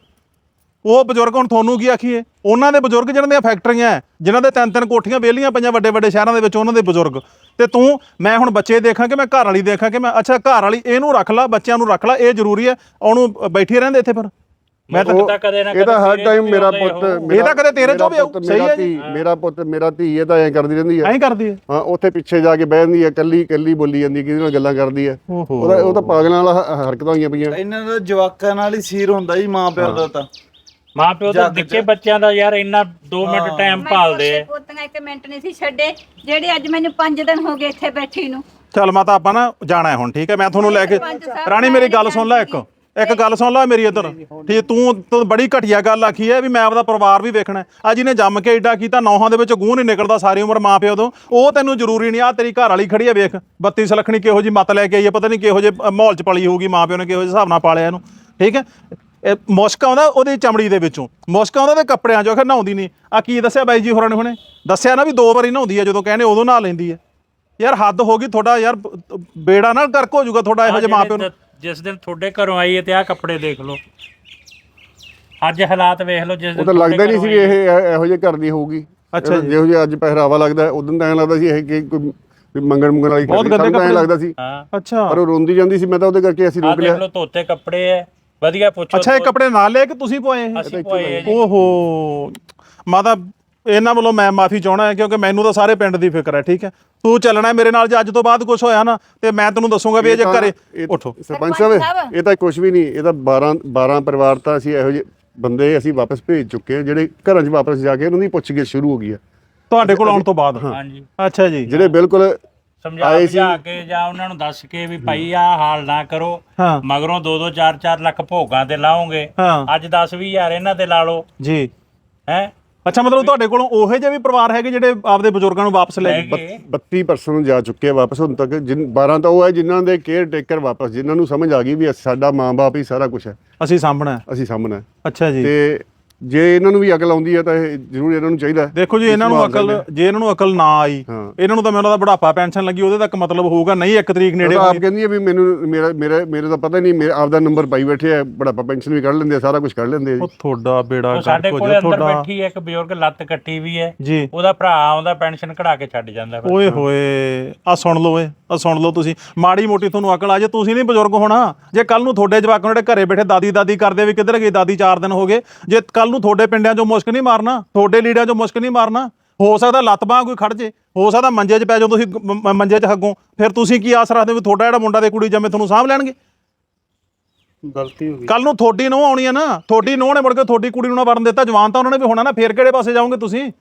S4: ਉਹ ਬਜ਼ੁਰਗ ਹੁਣ ਤੁਹਾਨੂੰ ਕੀ ਆਖੀਏ, ਉਹਨਾਂ ਦੇ ਬਜ਼ੁਰਗ ਜਿਹਨਾਂ ਦੀਆਂ ਫੈਕਟਰੀਆਂ ਹੈ, ਜਿਨ੍ਹਾਂ ਦੇ ਤਿੰਨ ਤਿੰਨ ਕੋਠੀਆਂ ਵਿਹਲੀਆਂ ਪਈਆਂ ਵੱਡੇ ਵੱਡੇ ਸ਼ਹਿਰਾਂ ਦੇ ਵਿੱਚ, ਉਹਨਾਂ ਦੇ ਬਜ਼ੁਰਗ। ਤੇ ਤੂੰ ਮੈਂ ਹੁਣ ਬੱਚੇ ਦੇਖਾਂ ਕਿ ਮੈਂ ਘਰ ਵਾਲੀ ਦੇਖਾਂ ਕਿ ਮੈਂ, ਅੱਛਾ ਘਰ ਵਾਲੀ ਇਹਨੂੰ ਰੱਖ ਲਾ, ਬੱਚਿਆਂ ਨੂੰ ਰੱਖ ਲਾ, ਇਹ ਜ਼ਰੂਰੀ ਹੈ? ਉਹਨੂੰ ਬੈਠੇ ਰਹਿੰਦੇ ਇੱਥੇ ਫਿਰ? ਮੈਂ ਤਾਂ
S7: ਤਾਂ ਕਦੇ ਨਾ
S5: ਇਹ ਤਾਂ ਹਰ ਟਾਈਮ ਮੇਰਾ ਪੁੱਤ,
S4: ਇਹ ਤਾਂ ਕਦੇ ਤੇਰੇ ਚੋਂ ਵੀ ਆਊ, ਸਹੀ ਹੈ ਜੀ।
S5: ਮੇਰਾ ਪੁੱਤ ਮੇਰਾ ਧੀ ਇਹ ਤਾਂ ਐਂ ਕਰਦੀ ਰਹਿੰਦੀ ਹੈ।
S4: ਐਂ ਕਰਦੀ ਹੈ?
S5: ਹਾਂ ਉੱਥੇ ਪਿੱਛੇ ਜਾ ਕੇ ਬਹਿ ਜਾਂਦੀ ਹੈ, ਕੱਲੀ ਕੱਲੀ ਬੋਲੀ ਜਾਂਦੀ, ਕਿਹਦੇ ਨਾਲ ਗੱਲਾਂ ਕਰਦੀ ਹੈ।
S4: ਓਹੋ।
S5: ਉਹਦਾ ਉਹ ਤਾਂ ਪਾਗਲਾਂ ਵਾਲਾ ਹ- ਹਰਕਤਾਂ ਹੋਈਆਂ ਪਈਆਂ।
S2: ਇਹਨਾਂ ਦਾ ਜਵਾਕਾਂ ਨਾਲ ਹੀ ਸੀਰ ਹੁੰਦਾ ਜੀ, ਮਾਂ ਪਿਓ ਦਾ ਤਾਂ।
S7: ਮਾਂ ਪਿਓ ਤਾਂ ਨਿੱਕੇ ਬੱਚਿਆਂ ਦਾ ਯਾਰ ਇੰਨਾ ਦੋ ਮਿੰਟ ਟਾਈਮ ਭਾਲਦੇ ਆ।
S6: ਪੋਤੀਆਂ ਇੱਕ ਮਿੰਟ ਨਹੀਂ ਸੀ ਛੱਡੇ, ਜਿਹੜੇ ਅੱਜ ਮੈਨੂੰ ਪੰਜ ਦਿਨ ਹੋ ਗਏ ਇੱਥੇ ਬੈਠੀ ਨੂੰ।
S4: ਚੱਲ ਮਾਤਾ ਆਪਾਂ ਨਾ ਜਾਣਾ ਹੈ ਹੁਣ, ਠੀਕ ਹੈ? ਮੈਂ ਤੁਹਾਨੂੰ ਲੈ ਕੇ, ਰਾਣੀ ਮੇਰੀ ਗੱਲ ਸੁਣ ਲੈ, ਇੱਕ ਇੱਕ ਗੱਲ ਸੁਣ ਲੈ ਮੇਰੀ ਇੱਧਰ, ਠੀਕ? ਤੂੰ ਤੂੰ ਬੜੀ ਘਟੀਆ ਗੱਲ ਆਖੀ ਹੈ ਵੀ ਮੈਂ ਆਪਦਾ ਪਰਿਵਾਰ ਵੀ ਵੇਖਣਾ। ਆ ਜਿਹਨੇ ਜੰਮ ਕੇ ਏਡਾ ਕੀਤਾ, ਨੌਹਾਂ ਦੇ ਵਿੱਚ ਗੂੰ ਨਹੀਂ ਨਿਕਲਦਾ ਸਾਰੀ ਉਮਰ ਮਾਂ ਪਿਓ ਤੋਂ, ਉਹ ਤੈਨੂੰ ਜ਼ਰੂਰੀ ਨਹੀਂ। ਆ ਤੇਰੀ ਘਰ ਵਾਲੀ ਖੜੀ ਹੈ, ਵੇਖ ਬੱਤੀ ਸਲੱਖਣੀ ਕਿਹੋ ਜੀ ਮੱਤ ਲੈ ਕੇ ਆਈ ਹੈ, ਪਤਾ ਨਹੀਂ ਕਿਹੋ ਜਿਹੇ ਮਾਹੌਲ 'ਚ ਪਲੀ ਹੋਊਗੀ, ਮਾਂ ਪਿਓ ਨੇ ਕਿਹੋ ਜਿਹੇ ਹਿਸਾਬ ਨਾਲ ਪਾਲਿਆ ਇਹਨੂੰ, ਠੀਕ ਹੈ? ਇਹ ਮੁਸ਼ਕ ਆਉਂਦਾ ਉਹਦੀ ਚਮੜੀ ਦੇ ਵਿੱਚੋਂ, ਮੁਸ਼ਕ ਆਉਂਦਾ ਤੇ ਕੱਪੜਿਆਂ 'ਚੋਂ, ਆਖਰ ਨਹਾਉਂਦੀ ਨਹੀਂ। ਆ ਕੀ ਦੱਸਿਆ ਬਾਈ ਜੀ ਹੋਰਾਂ ਨੇ ਹੁਣੇ? ਦੱਸਿਆ ਨਾ ਵੀ ਦੋ ਵਾਰੀ ਨਹਾਉਂਦੀ ਹੈ, ਜਦੋਂ ਕਹਿੰਦੇ ਉਦੋਂ ਨਹਾ ਲੈਂਦੀ ਹੈ। ਯਾਰ ਹੱਦ ਹੋ ਗਈ ਤੁਹਾਡਾ, ਯਾਰ ਬੇੜਾ ਨਾਲ ਗਰਕ ਹੋ ਜਾਊਗਾ ਤੁਹਾਡਾ ਇਹੋ ਜਿਹੇ ਮਾਂ ਪਿਓ ਨੂੰ।
S7: ਜਿਸ ਦਿਨ ਤੁਹਾਡੇ ਘਰੋਂ ਆਈ ਹੈ ਤੇ ਆਹ ਕੱਪੜੇ ਦੇਖ ਲਓ, ਅੱਜ ਹਾਲਾਤ ਵੇਖ ਲਓ। ਜਿਸ
S5: ਉਹ
S7: ਦਿਨ
S5: ਤਾਂ ਲੱਗਦਾ ਨਹੀਂ ਸੀ ਵੀ ਇਹ ਇਹ- ਇਹੋ ਜਿਹੇ ਕਰਦੀ ਹੋਊਗੀ।
S4: ਅੱਛਾ ਜੀ।
S5: ਜਿਹੋ ਜਿਹਾ ਅੱਜ ਪਹਿਰਾਵਾ ਲੱਗਦਾ, ਉਦੋਂ ਤਾਂ ਐਂ ਲੱਗਦਾ ਸੀ ਇਹ ਕਿ ਕੋਈ ਵੀ ਮੰਗਣ ਮੰਗਣ ਵਾਲੀ
S4: ਬਹੁਤ
S5: ਕਰਦੀ,
S4: ਗੰਦੇ
S5: ਸਾਨੂੰ ਤਾਂ ਐਂ
S4: ਕੱਪੜੇ।
S5: ਲੱਗਦਾ ਸੀ।
S7: ਹਾਂ
S4: ਅੱਛਾ
S5: ਪਰ ਉਹ ਰੋਂਦੀ ਜਾਂਦੀ ਸੀ, ਮੈਂ ਤਾਂ ਉਹਦੇ ਕਰਕੇ ਅਸੀਂ
S7: ਆਹ
S5: ਰੋਕ
S7: ਦੇਖ
S5: ਲਿਆ।
S7: ਲਓ, ਧੋਤੇ ਕੱਪੜੇ ਐ ਵਧੀਆ, ਪੁੱਛੋ
S4: ਅੱਛਾ ਇਹ ਕੱਪੜੇ ਨਾਲ ਲੈ ਕੇ ਤੁਸੀਂ ਪਵਾਏ ਇਹ?
S7: ਅਸੀਂ ਪਵਾਏ ਆ ਜੀ।
S4: ਓਹੋ ਮਾਤਾ, ਇਹਨਾਂ ਵੱਲੋਂ ਮੈਂ ਮਾਫੀ ਚਾਹਣਾ ਹੈ ਕਿਉਂਕਿ ਮੈਨੂੰ ਤਾਂ ਸਾਰੇ ਪਿੰਡ ਦੀ ਫਿਕਰ ਹੈ, ਠੀਕ ਹੈ? ਤੂੰ ਚੱਲਣਾ ਮੇਰੇ ਨਾਲ, ਜੇ ਅੱਜ ਤੋਂ ਬਾਅਦ ਕੁਝ ਹੋਇਆ ਨਾ ਤੇ ਮੈਂ ਤੈਨੂੰ ਦੱਸੂਗਾ ਵੀ ਇਹ ਜੇ
S5: ਤਾਂ-
S4: ਘਰੇ
S5: ਇਹ-
S4: ਉੱਠੋ।
S5: ਸਰਪੰਚ ਸਾਹਿਬ ਇਹ ਤਾਂ ਕੁਝ ਵੀ ਨਹੀਂ, ਇਹ ਤਾਂ ਬਾਰਾਂ ਬਾਰਾਂ ਪਰਿਵਾਰ ਤਾਂ ਅਸੀਂ ਇਹੋ ਜਿਹੇ ਬੰਦੇ ਅਸੀਂ ਵਾਪਸ ਭੇਜ ਚੁੱਕੇ ਹਾਂ, ਜਿਹੜੇ ਘਰਾਂ 'ਚ ਵਾਪਸ ਜਾ ਕੇ ਉਹਨਾਂ ਦੀ ਪੁੱਛਗਿੱਛ ਸ਼ੁਰੂ ਹੋ ਗਈ ਹੈ
S4: ਤੁਹਾਡੇ ਕੋਲ ਆਉਣ ਤੋਂ ਬਾਅਦ?
S7: ਹਾਂਜੀ
S4: ਅੱਛਾ ਜੀ।
S5: ਜਿਹੜੇ ਬਿਲਕੁਲ
S7: ਸਮਝਾ
S5: ਆਏ ਸੀ।
S7: ਬੁਝਾ ਕੇ ਜਾਂ ਉਹਨਾਂ ਨੂੰ ਦੱਸ ਕੇ ਵੀ ਭਾਈ ਆਹ ਹਾਲ ਨਾ ਕਰੋ,
S4: ਹਾਂ
S7: ਮਗਰੋਂ ਦੋ ਦੋ ਚਾਰ ਚਾਰ ਲੱਖ ਭੋਗਾਂ ਤੇ ਲਾਓਗੇ,
S4: ਹਾਂ
S7: ਅੱਜ ਦਸ ਵੀਹ ਹਜ਼ਾਰ ਇਹਨਾਂ ਤੇ ਲਾ ਲਓ
S4: ਜੀ।
S7: ਹੈ।
S4: ਅੱਛਾ ਮਤਲਬ ਤੁਹਾਡੇ ਕੋਲੋਂ ਉਹੋ ਜਿਹੇ ਵੀ ਪਰਿਵਾਰ ਹੈਗੇ ਜਿਹੜੇ ਆਪਦੇ ਬਜ਼ੁਰਗਾਂ ਨੂੰ ਵਾਪਸ ਲੈ ਗਏ?
S7: ਹੈਗੇ।
S5: ਬੱਤੀ ਪਰਸੈਂਟ ਜਾ ਚੁੱਕੇ ਆ ਵਾਪਸ ਹੁਣ ਤੱਕ। ਜਿਨ ਬਾਰਾਂ ਤਾਂ ਉਹ ਹੈ ਜਿਨ੍ਹਾਂ ਦੇ ਕੇਅਰ ਟੇਕਰ ਵਾਪਸ, ਜਿਨ੍ਹਾਂ ਨੂੰ ਸਮਝ ਆ ਗਈ ਵੀ ਸਾਡਾ ਮਾਂ-ਬਾਪ ਹੀ ਸਾਰਾ ਕੁਝ ਹੈ,
S4: ਅਸੀਂ ਸਾਂਭਣਾ ਹੈ।
S5: ਅਸੀਂ ਸਾਹਮਣਾ।
S4: ਅੱਛਾ ਜੀ।
S5: ਤੇ ਜੇ ਇਹਨਾਂ ਨੂੰ ਵੀ ਅਕਲ ਆਉਂਦੀ ਹੈ ਤਾਂ ਇਹ ਜ਼ਰੂਰ ਇਹਨਾਂ ਨੂੰ ਚਾਹੀਦਾ ਹੈ।
S4: ਦੇਖੋ ਜੀ ਇਹਨਾਂ ਨੂੰ ਅਕਲ ਜੇ ਇਹਨਾਂ ਨੂੰ ਅਕਲ ਨਾ ਆਈ
S5: ਹਾਂ।
S4: ਇਹਨਾਂ ਨੂੰ ਤਾਂ ਮੈਨੂੰ ਦਾ ਬੁਢਾਪਾ ਪੈਨਸ਼ਨ ਲੱਗੀ ਉਹਦੇ ਤੱਕ ਮਤਲਬ ਹੋਊਗਾ ਨਹੀਂ ਇੱਕ ਤਰੀਕ ਨੇੜੇ
S5: ਆਪ ਕਹਿੰਦੀ ਹੈ ਵੀ ਮੈਨੂੰ ਮੇਰਾ ਮੇਰਾ ਮੇਰੇ ਦਾ ਪਤਾ ਨਹੀਂ ਮੇਰਾ ਆਪਦਾ ਨੰਬਰ ਪਾਈ ਬੈਠੇ ਆ ਬੁਢਾਪਾ ਪੈਨਸ਼ਨ ਵੀ ਕੱਢ ਲੈਂਦੇ ਆ ਸਾਰਾ ਕੁਝ ਕੱਢ ਲੈਂਦੇ ਆ ਜੀ।
S4: ਉਹ ਤੁਹਾਡਾ ਬੇੜਾ
S7: ਉਹ ਸਾਡੇ
S4: ਗਰਕ ਹੋ
S7: ਕੋਲੇ
S4: ਜਾ
S7: ਅੰਦਰ
S4: ਤੁਹਾਡਾ
S7: ਬੈਠੀ ਹੈ ਇੱਕ ਬਜ਼ੁਰਗ ਲੱਤ ਕੱਟੀ ਵੀ ਹੈ
S4: ਜੀ
S7: ਉਹਦਾ ਭਰਾ ਆਉਂਦਾ ਪੈਨਸ਼ਨ ਕਢਾ ਕੇ ਛੱਡ ਜਾਂਦਾ ਫਿਰ।
S4: ਓਏ ਹੋਏ ਆ ਸੁਣ ਲਓ ਏ ਆ ਸੁਣ ਲਓ ਤੁਸੀਂ ਮਾੜੀ ਮੋਟੀ ਤੁਹਾਨੂੰ ਅਕਲ ਆ ਜੇ ਤੁਸੀਂ ਨਹੀਂ ਬਜ਼ੁਰਗ ਹੋਣਾ ਜੇ ਕੱਲ ਨੂੰ ਤੁਹਾਡੇ ਜਵਾਕ ਜਿਹੜੇ ਘਰੇ ਬੈਠੇ ਦਾਦੀ ਦਾਦੀ ਕਰਦੇ ਵੀ ਕਿੱਧਰ ਗਈ ਦਾਦੀ ਚਾਰ ਦਿਨ ਹੋ ਗਏ ਜੇ ਕੱਲ ਨੂੰ ਤੁਹਾਡੇ ਪਿੰਡਾਂ 'ਚੋਂ ਮੁਸ਼ਕ ਨਹੀਂ ਮਾਰਨਾ ਤੁਹਾਡੇ ਲੀੜਿਆਂ 'ਚੋਂ ਮੁਸ਼ਕ ਨਹੀਂ ਮਾਰਨਾ ਹੋ ਸਕਦਾ ਲੱਤ ਬਾਂਹ ਕੋਈ ਖੜ ਜੇ ਹੋ ਸਕਦਾ ਮੰਜੇ 'ਚ ਪੈ ਜਾਓ ਤੁਸੀਂ ਮ- ਮੰਜੇ 'ਚ ਹੱਗੋਂ ਫਿਰ ਤੁਸੀਂ ਕੀ ਆਸ ਰੱਖਦੇ ਵੀ ਤੁਹਾਡਾ ਜਿਹੜਾ ਮੁੰਡਾ ਤੇ ਕੁੜੀ ਜੰਮੇ ਤੁਹਾਨੂੰ ਸਾਂਭ ਲੈਣਗੇ
S3: ਗਲਤੀ ਹੋ ਗਈ
S4: ਕੱਲ ਨੂੰ ਤੁਹਾਡੀ ਨੂੰਹ ਆਉਣੀ ਆ ਨਾ ਤੁਹਾਡੀ ਨੂੰਹ ਨੇ ਮੁੜ ਕੇ ਤੁਹਾਡੀ ਕੁੜੀ ਨੂੰ ਨਾ ਵੜਨ ਦਿੱਤਾ ਜਵਾਨ ਤਾਂ ਉਹਨਾਂ ਨੇ ਵੀ ਹੋਣਾ ਨਾ ਫੇਰ ਕਿਹੜੇ ਪਾਸੇ ਜਾਓਗੇ ਤੁਸੀਂ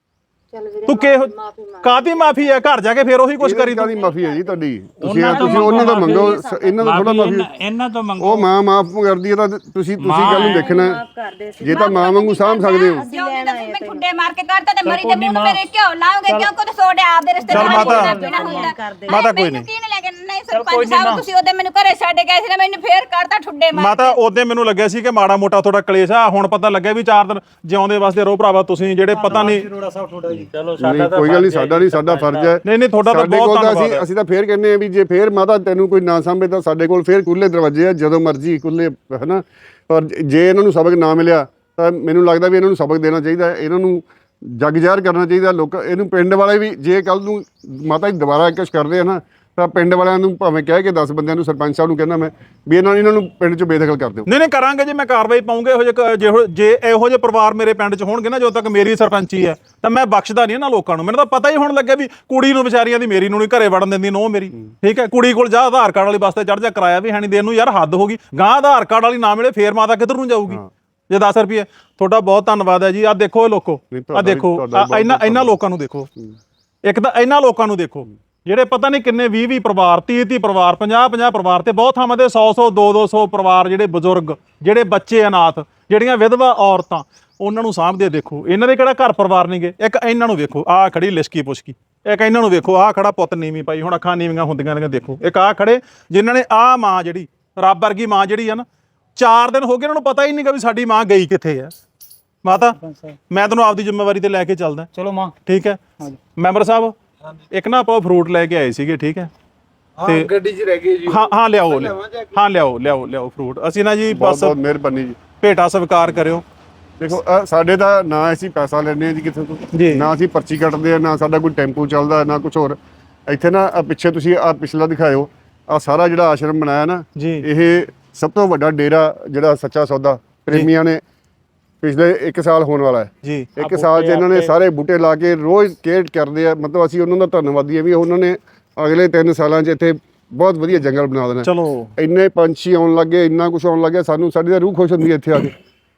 S4: ਤੂੰ ਕਿਹੋ ਕਾਹਦੀ ਮਾਫੀ ਹੈ ਘਰ ਜਾ ਕੇ ਫੇਰ ਉਹੀ ਕੁਝ ਕਰੀ ਤੂੰ
S5: ਕਾਹਦੀ ਮਾਫੀ ਹੈ ਜੀ ਤੁਹਾਡੀ ਤੁਸੀਂ ਤੁਸੀਂ ਉਹਨਾਂ ਦਾ ਮੰਗੋ ਸ- ਇਹਨਾਂ ਦਾ ਥੋੜਾ ਮਾਫੀ
S7: ਇਹਨਾਂ- ਇਹਨਾਂ ਤੋਂ ਮੰਗੋ
S5: ਉਹ ਮਾਂ ਮਾਫ ਕਰਦੀ ਹੈ ਤਾਂ ਤੁਸੀਂ ਤੁਸੀਂ ਗੱਲ ਨੂੰ ਦੇਖਣਾ ਜੇ ਤਾਂ ਮਾਂ ਵਾਂਗੂ ਸਾਂਭ ਸਕਦੇ ਹੋ
S6: ਜਿਉਂ ਵੀ ਤੁਸੀਂ ਮੈਂ ਖੁੱਡੇ ਮਾਰ ਕੇ ਕਰਤਾ ਤੇ ਮਰੀ ਦੇ ਮੂੰਹ ਨੂੰ ਮੇਰੇ ਕਿਉਂ ਲਾਉਂਗੇ ਕਿਉਂ ਕੋ ਸੋਡੇ ਆਪਦੇ ਰਿਸ਼ਤੇਦਾਰ
S4: ਚੱਲ ਮਾਤਾ,
S6: ਹੁੰਦਾ
S4: ਮਾਤਾ ਕੋਈ ਨਹੀਂ।
S6: ਕੀ ਲੈ ਕੇ ਨਹੀਂ ਸਰਪੰਚ ਸਾਹਿਬ ਤੁਸੀਂ ਉਹਦੇ ਮੈਨੂੰ ਘਰੇ ਛੱਡ ਗਏ ਸੀ ਨਾ ਮੈਨੂੰ ਫੇਰ ਕਰਤਾ ਠੁੱਡੇ ਮਾਰ
S4: ਮਾਤਾ ਉਹਦੇ ਮੈਨੂੰ ਲੱਗਿਆ ਸੀ ਕਿ ਮਾੜਾ ਮੋਟਾ ਤੁਹਾਡਾ ਕਲੇਸ਼ ਆ ਹੁਣ ਪਤਾ ਲੱਗਿਆ ਵੀ ਚਾਰ ਦਿਨ ਜਿਉਂਦੇ ਵਾਸਤੇ ਰਹੋ ਭਰਾਵਾ ਤੁਸੀਂ ਜਿਹੜੇ ਪਤਾ ਨਹੀਂ
S3: ਰੋੜਾ ਸਾਹਿਬ ਤੁਹਾਡਾ ਜੀ
S7: ਚਲੋ
S5: ਨਹੀਂ
S7: ਸਾਡਾ ਤਾਂ
S5: ਕੋਈ ਗੱਲ ਨਹੀਂ ਸਾਡਾ ਨਹੀਂ ਸਾਡਾ ਫਰਜ਼ ਹੈ
S4: ਨਹੀਂ ਨਹੀਂ ਤੁਹਾਡਾ ਤਾਂ
S5: ਸਾਡੇ
S4: ਬਹੁਤ
S5: ਕੋਲ ਤਾਂ
S4: ਧੰਨਵਾਦ
S5: ਅਸੀਂ
S4: ਹੈ
S5: ਅਸੀਂ ਤਾਂ ਫੇਰ ਕਹਿੰਦੇ ਆ ਵੀ ਜੇ ਫੇਰ ਮਾਤਾ ਤੈਨੂੰ ਕੋਈ ਨਾ ਸਾਂਭੇ ਤਾਂ ਸਾਡੇ ਕੋਲ ਫੇਰ ਖੁੱਲੇ ਦਰਵਾਜ਼ੇ ਆ ਜਦੋਂ ਮਰਜ਼ੀ ਖੁੱਲੇ ਹਨਾ ਪਰ ਜੇ ਇਹਨਾਂ ਨੂੰ ਸਬਕ ਨਾ ਮਿਲਿਆ ਤਾਂ ਮੈਨੂੰ ਲੱਗਦਾ ਵੀ ਇਹਨਾਂ ਨੂੰ ਸਬਕ ਦੇਣਾ ਚਾਹੀਦਾ ਹੈ ਇਹਨਾਂ ਨੂੰ ਜਗ ਜ਼ਾਹਰ ਕਰਨਾ ਚਾਹੀਦਾ ਲੋਕ ਇਹਨੂੰ ਪਿੰਡ ਵਾਲੇ ਵੀ ਜੇ ਕੱਲ ਨੂੰ ਮਾਤਾ ਜੀ ਦੁਬਾਰਾ ਕੁਛ ਕਰਦੇ ਆ ਨਾ ਤਾਂ ਪਿੰਡ ਵਾਲਿਆਂ ਨੂੰ ਭਾਵੇਂ ਕਹਿ ਕੇ ਦਸ ਬੰਦਿਆਂ ਨੂੰ ਸਰਪੰਚ ਸਾਹਿਬ ਨੂੰ ਕਹਿੰਦਾ ਮੈਂ ਵੀ ਇਹਨਾਂ ਇਹਨਾਂ ਨੂੰ ਪਿੰਡ 'ਚੋਂ ਬੇਦਖਲ ਕਰ ਦਿਓ
S4: ਨਹੀਂ ਨਹੀਂ ਕਰਾਂਗੇ ਜੇ ਮੈਂ ਕਾਰਵਾਈ ਪਾਉਂਗੇ ਇਹੋ ਜਿਹੇ ਜਿਹੋ ਜੇ ਇਹੋ ਜਿਹੇ ਪਰਿਵਾਰ ਮੇਰੇ ਪਿੰਡ 'ਚ ਹੋਣਗੇ ਨਾ ਜਦੋਂ ਤੱਕ ਮੇਰੀ ਸਰਪੰਚੀ ਹੈ ਤਾਂ ਮੈਂ ਬਖਸ਼ਦਾ ਨਹੀਂ ਇਹਨਾਂ ਲੋਕਾਂ ਨੂੰ ਮੈਨੂੰ ਤਾਂ ਪਤਾ ਹੀ ਹੁਣ ਲੱਗਿਆ ਵੀ ਕੁੜੀ ਨੂੰ ਵਿਚਾਰੀਆਂ ਦੀ ਮੇਰੀ ਨੂੰ ਨਹੀਂ ਘਰੇ ਵੜਨ ਦਿੰਦੀ ਨੋ ਮੇਰੀ ਠੀਕ ਹੈ ਕੁੜੀ ਕੋਲ ਜਾ ਆਧਾਰ ਕਾਰਡ ਵਾਲੀ ਬੱਸ ਤੇ ਚੜ ਜਾ ਕਿਰਾਇਆ ਵੀ ਹੈ ਨਹੀਂ ਦੇਣ ਨੂੰ ਯਾਰ ਹੱਦ ਹੋ ਗਈ ਗਾਂ ਆਧਾਰ ਕਾਰਡ ਵਾਲੀ ਨਾ ਮਿਲੇ ਫੇਰ ਮਾਤਾ ਕਿੱਧਰ ਨੂੰ ਜਾਊਗੀ ਜੇ ਦਸ ਰੁਪਏ ਤੁਹਾਡਾ ਬਹੁਤ ਧੰਨਵਾਦ ਹੈ ਜੀ ਆਹ ਦੇਖੋ ਇਹ ਲੋਕੋ
S5: ਨਹੀਂ,
S4: ਆਹ
S5: ਤੁਹਾਡਾ ਵੀ-
S4: ਦੇਖੋ
S5: ਤੁਹਾਡਾ ਵੀ
S4: ਆਹ ਇਹਨਾਂ ਇਹਨਾਂ ਲੋਕਾਂ ਨੂੰ ਦੇਖੋ ਇੱਕ ਤਾਂ ਇਹਨਾਂ ਲੋਕਾਂ ਨੂੰ ਦੇਖੋ ਜਿਹੜੇ ਪਤਾ ਨਹੀਂ ਕਿੰਨੇ ਵੀਹ ਵੀਹ ਪਰਿਵਾਰ ਤੀਹ ਤੀਹ ਪਰਿਵਾਰ ਪੰਜਾਹ ਪੰਜਾਹ ਪਰਿਵਾਰ ਤੇ ਬਹੁਤ ਥਾਵਾਂ ਤੇ ਸੌ ਸੌ ਦੋ ਦੋ ਸੌ ਪਰਿਵਾਰ ਜਿਹੜੇ ਬਜ਼ੁਰਗ ਜਿਹੜੇ ਬੱਚੇ ਅਨਾਥ ਜਿਹੜੀਆਂ ਵਿਧਵਾ ਔਰਤਾਂ ਉਹਨਾਂ ਨੂੰ ਸਾਂਭਦੇ ਦੇਖੋ ਇਹਨਾਂ ਦੇ ਕਿਹੜਾ ਘਰ ਪਰਿਵਾਰ ਨਹੀਂਗੇ ਇੱਕ ਇਹਨਾਂ ਨੂੰ ਵੇਖੋ ਆਹ ਖੜੀ ਲਿਸ਼ਕੀ ਪੁਸ਼ਕੀ ਇੱਕ ਇਹਨਾਂ ਨੂੰ ਵੇਖੋ ਆਹ ਖੜਾ ਪੁੱਤ ਨੀਵੀਂ ਪਾਈ ਹੁਣ ਅੱਖਾਂ ਨੀਵੀਆਂ ਹੁੰਦੀਆਂ ਨੇ ਦੇਖੋ ਇੱਕ ਆਹ ਖੜੇ ਜਿਨ੍ਹਾਂ ਨੇ ਆਹ ਮਾਂ ਜਿਹੜੀ ਰੱਬ ਵਰਗੀ ਮਾਂ ਜਿਹੜੀ ਆ ਨਾ ਚਾਰ ਦਿਨ ਹੋ ਗਏ ਇਹਨਾਂ ਨੂੰ ਪਤਾ ਹੀ ਨਹੀਂਗਾ ਵੀ ਸਾਡੀ ਮਾਂ ਗਈ ਕਿੱਥੇ ਆ ਮਾਤਾ ਮੈਂ ਤੈਨੂੰ ਆਪਦੀ ਜ਼ਿੰਮੇਵਾਰੀ ਤੇ ਲੈ ਕੇ ਚੱਲਦਾ
S3: ਚਲੋ ਮਾਂ
S4: ਠੀਕ ਹੈ ਮੈਂਬਰ ਸਾਹਿਬ ਇੱਕ ਨਾ ਆਪਾਂ ਫਰੂਟ ਲੈ ਕੇ ਆਏ ਸੀਗੇ ਠੀਕ ਹੈ
S2: ਹਾਂ ਗੱਡੀ 'ਚ ਰਹਿ ਗਏ ਜੀ
S4: ਹਾਂ ਹਾਂ ਲਿਆਓ ਲਿਆਓ। ਹਾਂ ਲਿਆਓ ਲਿਆਓ ਲਿਆਓ ਫਰੂਟ ਅਸੀਂ ਨਾ ਜੀ
S5: ਬਹੁਤ
S4: ਬਸ
S5: ਬਹੁਤ ਮਿਹਰਬਾਨੀ ਜੀ
S4: ਭੇਟਾ ਸਵੀਕਾਰ ਕਰਿਓ
S5: ਦੇਖੋ ਅਹ ਸਾਡੇ ਤਾਂ ਨਾ ਅਸੀਂ ਪੈਸਾ ਲੈਂਦੇ ਆ ਜੀ ਕਿਸੇ ਤੋਂ
S4: ਜੀ।
S5: ਨਾ ਅਸੀਂ ਪਰਚੀ ਕੱਟਦੇ ਆ ਨਾ ਸਾਡਾ ਕੋਈ ਟੈਂਪੂ ਚੱਲਦਾ ਨਾ ਕੁਝ ਹੋਰ ਇੱਥੇ ਨਾ ਆਹ ਪਿੱਛੇ ਤੁਸੀਂ ਆ ਪਿਛਲਾ ਦਿਖਾਇਓ ਆ ਸਾਰਾ ਜਿਹੜਾ ਆਸ਼ਰਮ ਬਣਾਇਆ ਨਾ
S4: ਜੀ।
S5: ਇਹ ਸਭ ਤੋਂ ਵੱਡਾ ਡੇਰਾ ਜਿਹੜਾ ਸੱਚਾ ਸੌਦਾ ਪ੍ਰੇਮੀਆਂ ਨੇ ਪਿਛਲੇ ਇੱਕ ਸਾਲ ਹੋਣ ਵਾਲਾ ਹੈ
S4: ਜੀ
S5: ਇੱਕ ਸਾਲ 'ਚ ਇਹਨਾਂ ਨੇ ਸਾਰੇ ਬੂਟੇ ਲਾ ਕੇ ਰੋਜ਼ ਕੇਅਰ ਕਰਦੇ ਆ ਮਤਲਬ ਅਸੀਂ ਉਹਨਾਂ ਦਾ ਧੰਨਵਾਦੀ ਆ ਵੀ ਉਹਨਾਂ ਨੇ ਅਗਲੇ ਤਿੰਨ ਸਾਲਾਂ 'ਚ ਇੱਥੇ ਬਹੁਤ ਵਧੀਆ ਜੰਗਲ ਬਣਾ ਦੇਣਾ
S4: ਚਲੋ
S5: ਇੰਨੇ ਪੰਛੀ ਆਉਣ ਲੱਗੇ ਇੰਨਾ ਕੁਝ ਆਉਣ ਲੱਗਿਆ ਸਾਨੂੰ ਸਾਡੀ ਤਾਂ ਰੂਹ ਖੁਸ਼ ਹੁੰਦੀ ਹੈ ਇੱਥੇ ਆ ਕੇ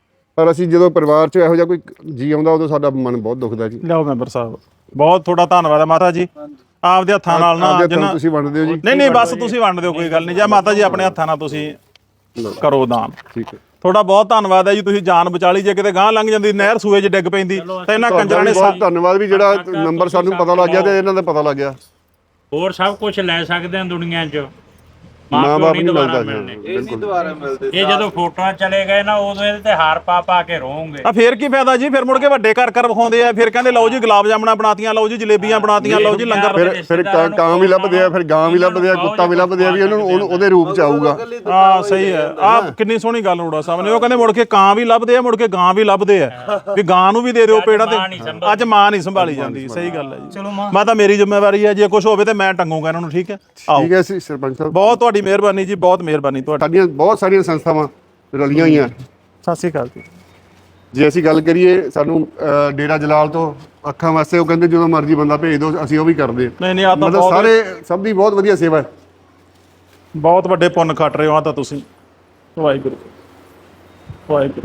S5: ਪਰ ਅਸੀਂ ਜਦੋਂ ਪਰਿਵਾਰ 'ਚ ਇਹੋ ਜਿਹਾ ਕੋਈ ਜੀ ਆਉਂਦਾ ਉਦੋਂ ਸਾਡਾ ਮਨ ਬਹੁਤ ਦੁਖਦਾ ਜੀ
S4: ਲਿਆਓ ਮੈਂਬਰ ਸਾਹਿਬ ਬਹੁਤ ਤੁਹਾਡਾ ਧੰਨਵਾਦ ਹੈ ਮਾਤਾ ਜੀ ਆਪਦੇ ਹੱਥਾਂ ਨਾਲ ਨਾ
S5: ਆਪਦੇ ਹੱਥਾਂ
S4: ਜਿੰਨਾ
S5: ਤੁਸੀਂ ਵੰਡਦੇ ਹੋ ਜੀ
S4: ਨਹੀਂ ਨਹੀਂ ਬਸ ਤੁਸੀਂ ਵੰਡ ਦਿਓ ਕੋਈ ਗੱਲ ਨਹੀਂ ਜਾਂ ਮਾਤਾ ਜੀ ਆਪਣੇ ਹੱਥਾਂ ਨਾਲ ਤੁਸੀਂ ਕਰੋ ਦਾਨ
S5: ਠੀਕ ਹੈ
S4: ਤੁਹਾਡਾ ਬਹੁਤ ਧੰਨਵਾਦ ਹੈ ਜੀ ਤੁਸੀਂ ਜਾਨ ਬਚਾ ਲਈ ਜੇ ਕਿਤੇ ਗਾਂ ਲੰਘ ਜਾਂਦੀ ਨਹਿਰ ਸੂਏ 'ਚ ਡਿੱਗ ਪੈਂਦੀ ਤਾਂ ਇਹਨਾਂ ਕੰਜਰਾਂ
S5: ਤੁਹਾਡਾ
S4: ਨੇ
S5: ਵੀ ਬਹੁਤ ਧੰਨਵਾਦ ਵੀ ਜਿਹੜਾ ਨੰਬਰ ਸਾਨੂੰ ਪਤਾ ਲੱਗ ਗਿਆ ਤੇ ਇਹਨਾਂ ਦਾ ਪਤਾ ਲੱਗ ਗਿਆ
S7: ਹੋਰ ਸਭ ਕੁਝ ਲੈ ਸਕਦੇ ਆ ਦੁਨੀਆ 'ਚ
S5: ਮਾਂ
S7: ਮਾਂ
S5: ਬਾਪ
S7: ਪਿਓ ਨਹੀਂ
S5: ਨਹੀਂ
S7: ਦੁਬਾਰਾ
S5: ਮਿਲਦਾ
S7: ਮਿਲਣੇ
S2: ਇਹ ਨਹੀਂ ਦੁਬਾਰਾ ਮਿਲਦੇ
S7: ਇਹ ਜਦੋਂ ਫੋਟੋਆਂ ਚਲੇ ਗਏ ਨਾ ਉਦੋਂ ਇਹਦੇ ਤੇ ਹਾਰ ਪਾ ਪਾ ਕੇ ਰੋਵਾਂਗੇ
S4: ਆ ਫੇਰ ਕੀ ਫਾਇਦਾ ਜੀ ਫਿਰ ਮੁੜ ਕੇ ਵੱਡੇ ਘਰ ਘਰ ਵਿਖਾਉਂਦੇ ਆ ਫਿਰ ਕਹਿੰਦੇ ਲਓ ਜੀ ਗੁਲਾਬ ਜਾਮਣਾ ਬਣਾਤੀਆਂ ਲਓ ਜੀ ਜਲੇਬੀਆਂ ਬਣਾਤੀਆਂ ਲਓ ਜੀ ਲੰਗਰ
S5: ਫਿਰ ਫਿਰ ਕਾਂ ਕਾਂ ਵੀ ਲੱਭਦੇ ਆ ਫਿਰ ਗਾਂ ਵੀ ਲੱਭਦੇ ਆ ਕੁੱਤਾ ਵੀ ਲੱਭਦੇ ਆ ਵੀ ਉਹਨਾਂ ਨੂੰ ਉਹਨੂੰ- ਉਹਦੇ ਰੂਪ 'ਚ ਆਊਗਾ
S4: ਹਾਂ ਸਹੀ ਹੈ ਆ ਕਿੰਨੀ ਸੋਹਣੀ ਗੱਲ ਰੋੜਾ ਸਾਹਿਬ ਨੇ ਉਹ ਕਹਿੰਦੇ ਮੁੜ ਕੇ ਕਾਂ ਵੀ ਲੱਭਦੇ ਆ ਮੁੜ ਕੇ ਗਾਂ ਵੀ ਲੱਭਦੇ ਆ ਵੀ ਗਾਂ ਨੂੰ ਵੀ ਦੇ ਦਿਓ ਪੇੜਾ ਤੇ ਅੱਜ ਮਾਂ ਨਹੀਂ ਸੰਭਾਲੀ ਜਾਂਦੀ ਸਹੀ ਗੱਲ ਹੈ ਜੀ
S3: ਚਲੋ ਮਾਂ
S4: ਮੈਂ ਤਾਂ ਮੇਰੀ ਜ਼ਿੰਮੇਵਾਰੀ ਹੈ ਜੇ ਕੁਝ ਹੋਵੇ ਤੇ ਮੈਂ ਟੰਗੂਗਾ ਇਹਨਾਂ ਨੂੰ ਠੀਕ ਹੈ ਆਓ
S5: ਠੀਕ ਹੈ ਸੀ ਸਰਪੰਚ ਸਾਹਿਬ
S4: ਬਹੁਤ ਤੁਹਾਡੀ ਮਿਹਰਬਾਨੀ ਜੀ ਬਹੁਤ ਮਿਹਰਬਾਨੀ ਤੁਹਾਡੀ
S5: ਸਾਡੀਆਂ ਬਹੁਤ ਸਾਰੀਆਂ ਸੰਸਥਾਵਾਂ ਰਲੀਆਂ ਹੋਈਆਂ
S4: ਸਤਿ ਸ਼੍ਰੀ ਅਕਾਲ ਜੀ
S5: ਜੇ ਅਸੀਂ ਗੱਲ ਕਰੀਏ ਸਾਨੂੰ ਅਹ, ਡੇਰਾ ਜਲਾਲ ਤੋਂ ਅੱਖਾਂ ਵਾਸਤੇ ਉਹ ਕਹਿੰਦੇ ਜਦੋਂ ਮਰਜ਼ੀ ਬੰਦਾ ਭੇਜ ਦਿਓ ਅਸੀਂ ਉਹ ਵੀ ਕਰਦੇ ਹਾਂ।
S4: ਨਹੀਂ ਨਹੀਂ ਆ ਤਾਂ
S5: ਮਤਲਬ
S4: ਬਹੁਤ
S5: ਸਾਰੇ ਸਭ ਦੀ ਬਹੁਤ ਵਧੀਆ ਸੇਵਾ ਹੈ
S4: ਬਹੁਤ ਵੱਡੇ ਪੁੰਨ ਖੱਟ ਰਹੇ ਹੋ ਆ ਤਾਂ ਤੁਸੀਂ ਵਾਹਿਗੁਰੂ ਵਾਹਿਗੁਰੂ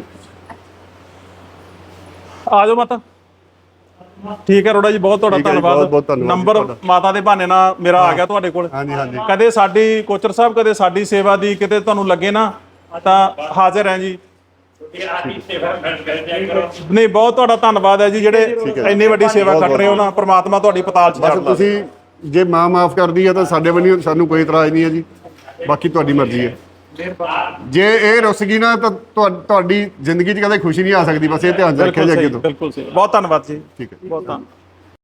S4: ਆ ਜਾਓ ਮਾਤਾ ਠੀਕ ਹੈ ਰੋੜਾ ਜੀ ਬਹੁਤ ਤੁਹਾਡਾ
S5: ਠੀਕ ਹੈ ਜੀ,
S4: ਧੰਨਵਾਦ
S5: ਬਹੁਤ- ਬਹੁਤ ਧੰਨਵਾਦ ਜੀ
S4: ਨੰਬਰ
S5: ਤੁਹਾਡਾ।
S4: ਮਾਤਾ ਦੇ ਬਹਾਨੇ ਨਾਲ ਮੇਰਾ ਆ ਗਿਆ ਤੁਹਾਡੇ ਕੋਲ
S5: ਹਾਂਜੀ ਹਾਂਜੀ
S4: ਕਦੇ ਸਾਡੀ ਕੋਚਰ ਸਾਹਿਬ ਕਦੇ ਸਾਡੀ ਸੇਵਾ ਦੀ ਕਿਤੇ ਤੁਹਾਨੂੰ ਲੱਗੇ ਨਾ ਤਾਂ ਹਾਜ਼ਰ ਹੈ ਜੀ ਨਹੀਂ ਬਹੁਤ ਤੁਹਾਡਾ ਧੰਨਵਾਦ ਹੈ ਜੀ ਜਿਹੜੇ ਇੰਨੀ ਵੱਡੀ ਸੇਵਾ ਕਰ ਰਹੇ ਹੋ ਨਾ ਪ੍ਰਮਾਤਮਾ ਤੁਹਾਡੀ ਪਤਾਲ ਚ
S5: ਬਸ
S4: ਛੱਡ
S5: ਤੁਸੀਂ ਜੇ ਮਾਂ ਮਾਫ ਕਰਦੀ ਹੈ ਤਾਂ ਸਾਡੇ ਵੱਲੋਂ ਸਾਨੂੰ ਕੋਈ ਇਤਰਾਜ਼ ਨਹੀਂ ਹੈ ਜੀ ਬਾਕੀ ਤੁਹਾਡੀ ਮਰਜ਼ੀ ਹੈ ਜੇ ਇਹ ਰੁੱਸ ਗਈ ਨਾ ਤਾਂ ਤੁਹਾ- ਤੁਹਾਡੀ ਜ਼ਿੰਦਗੀ 'ਚ ਕਦੇ ਖੁਸ਼ੀ ਨਹੀਂ ਆ ਸਕਦੀ। ਬਸ ਇਹ ਧਿਆਨ 'ਚ ਰੱਖਿਆ
S4: ਬਿਲਕੁਲ
S5: ਜੀ ਅੱਗੇ
S4: ਸਹੀ
S5: ਤੋਂ।
S4: ਬਿਲਕੁਲ ਸਹੀ ਬਹੁਤ ਧੰਨਵਾਦ ਜੀ
S5: ਠੀਕ ਹੈ।
S4: ਬਹੁਤ ਧੰਨਵਾਦ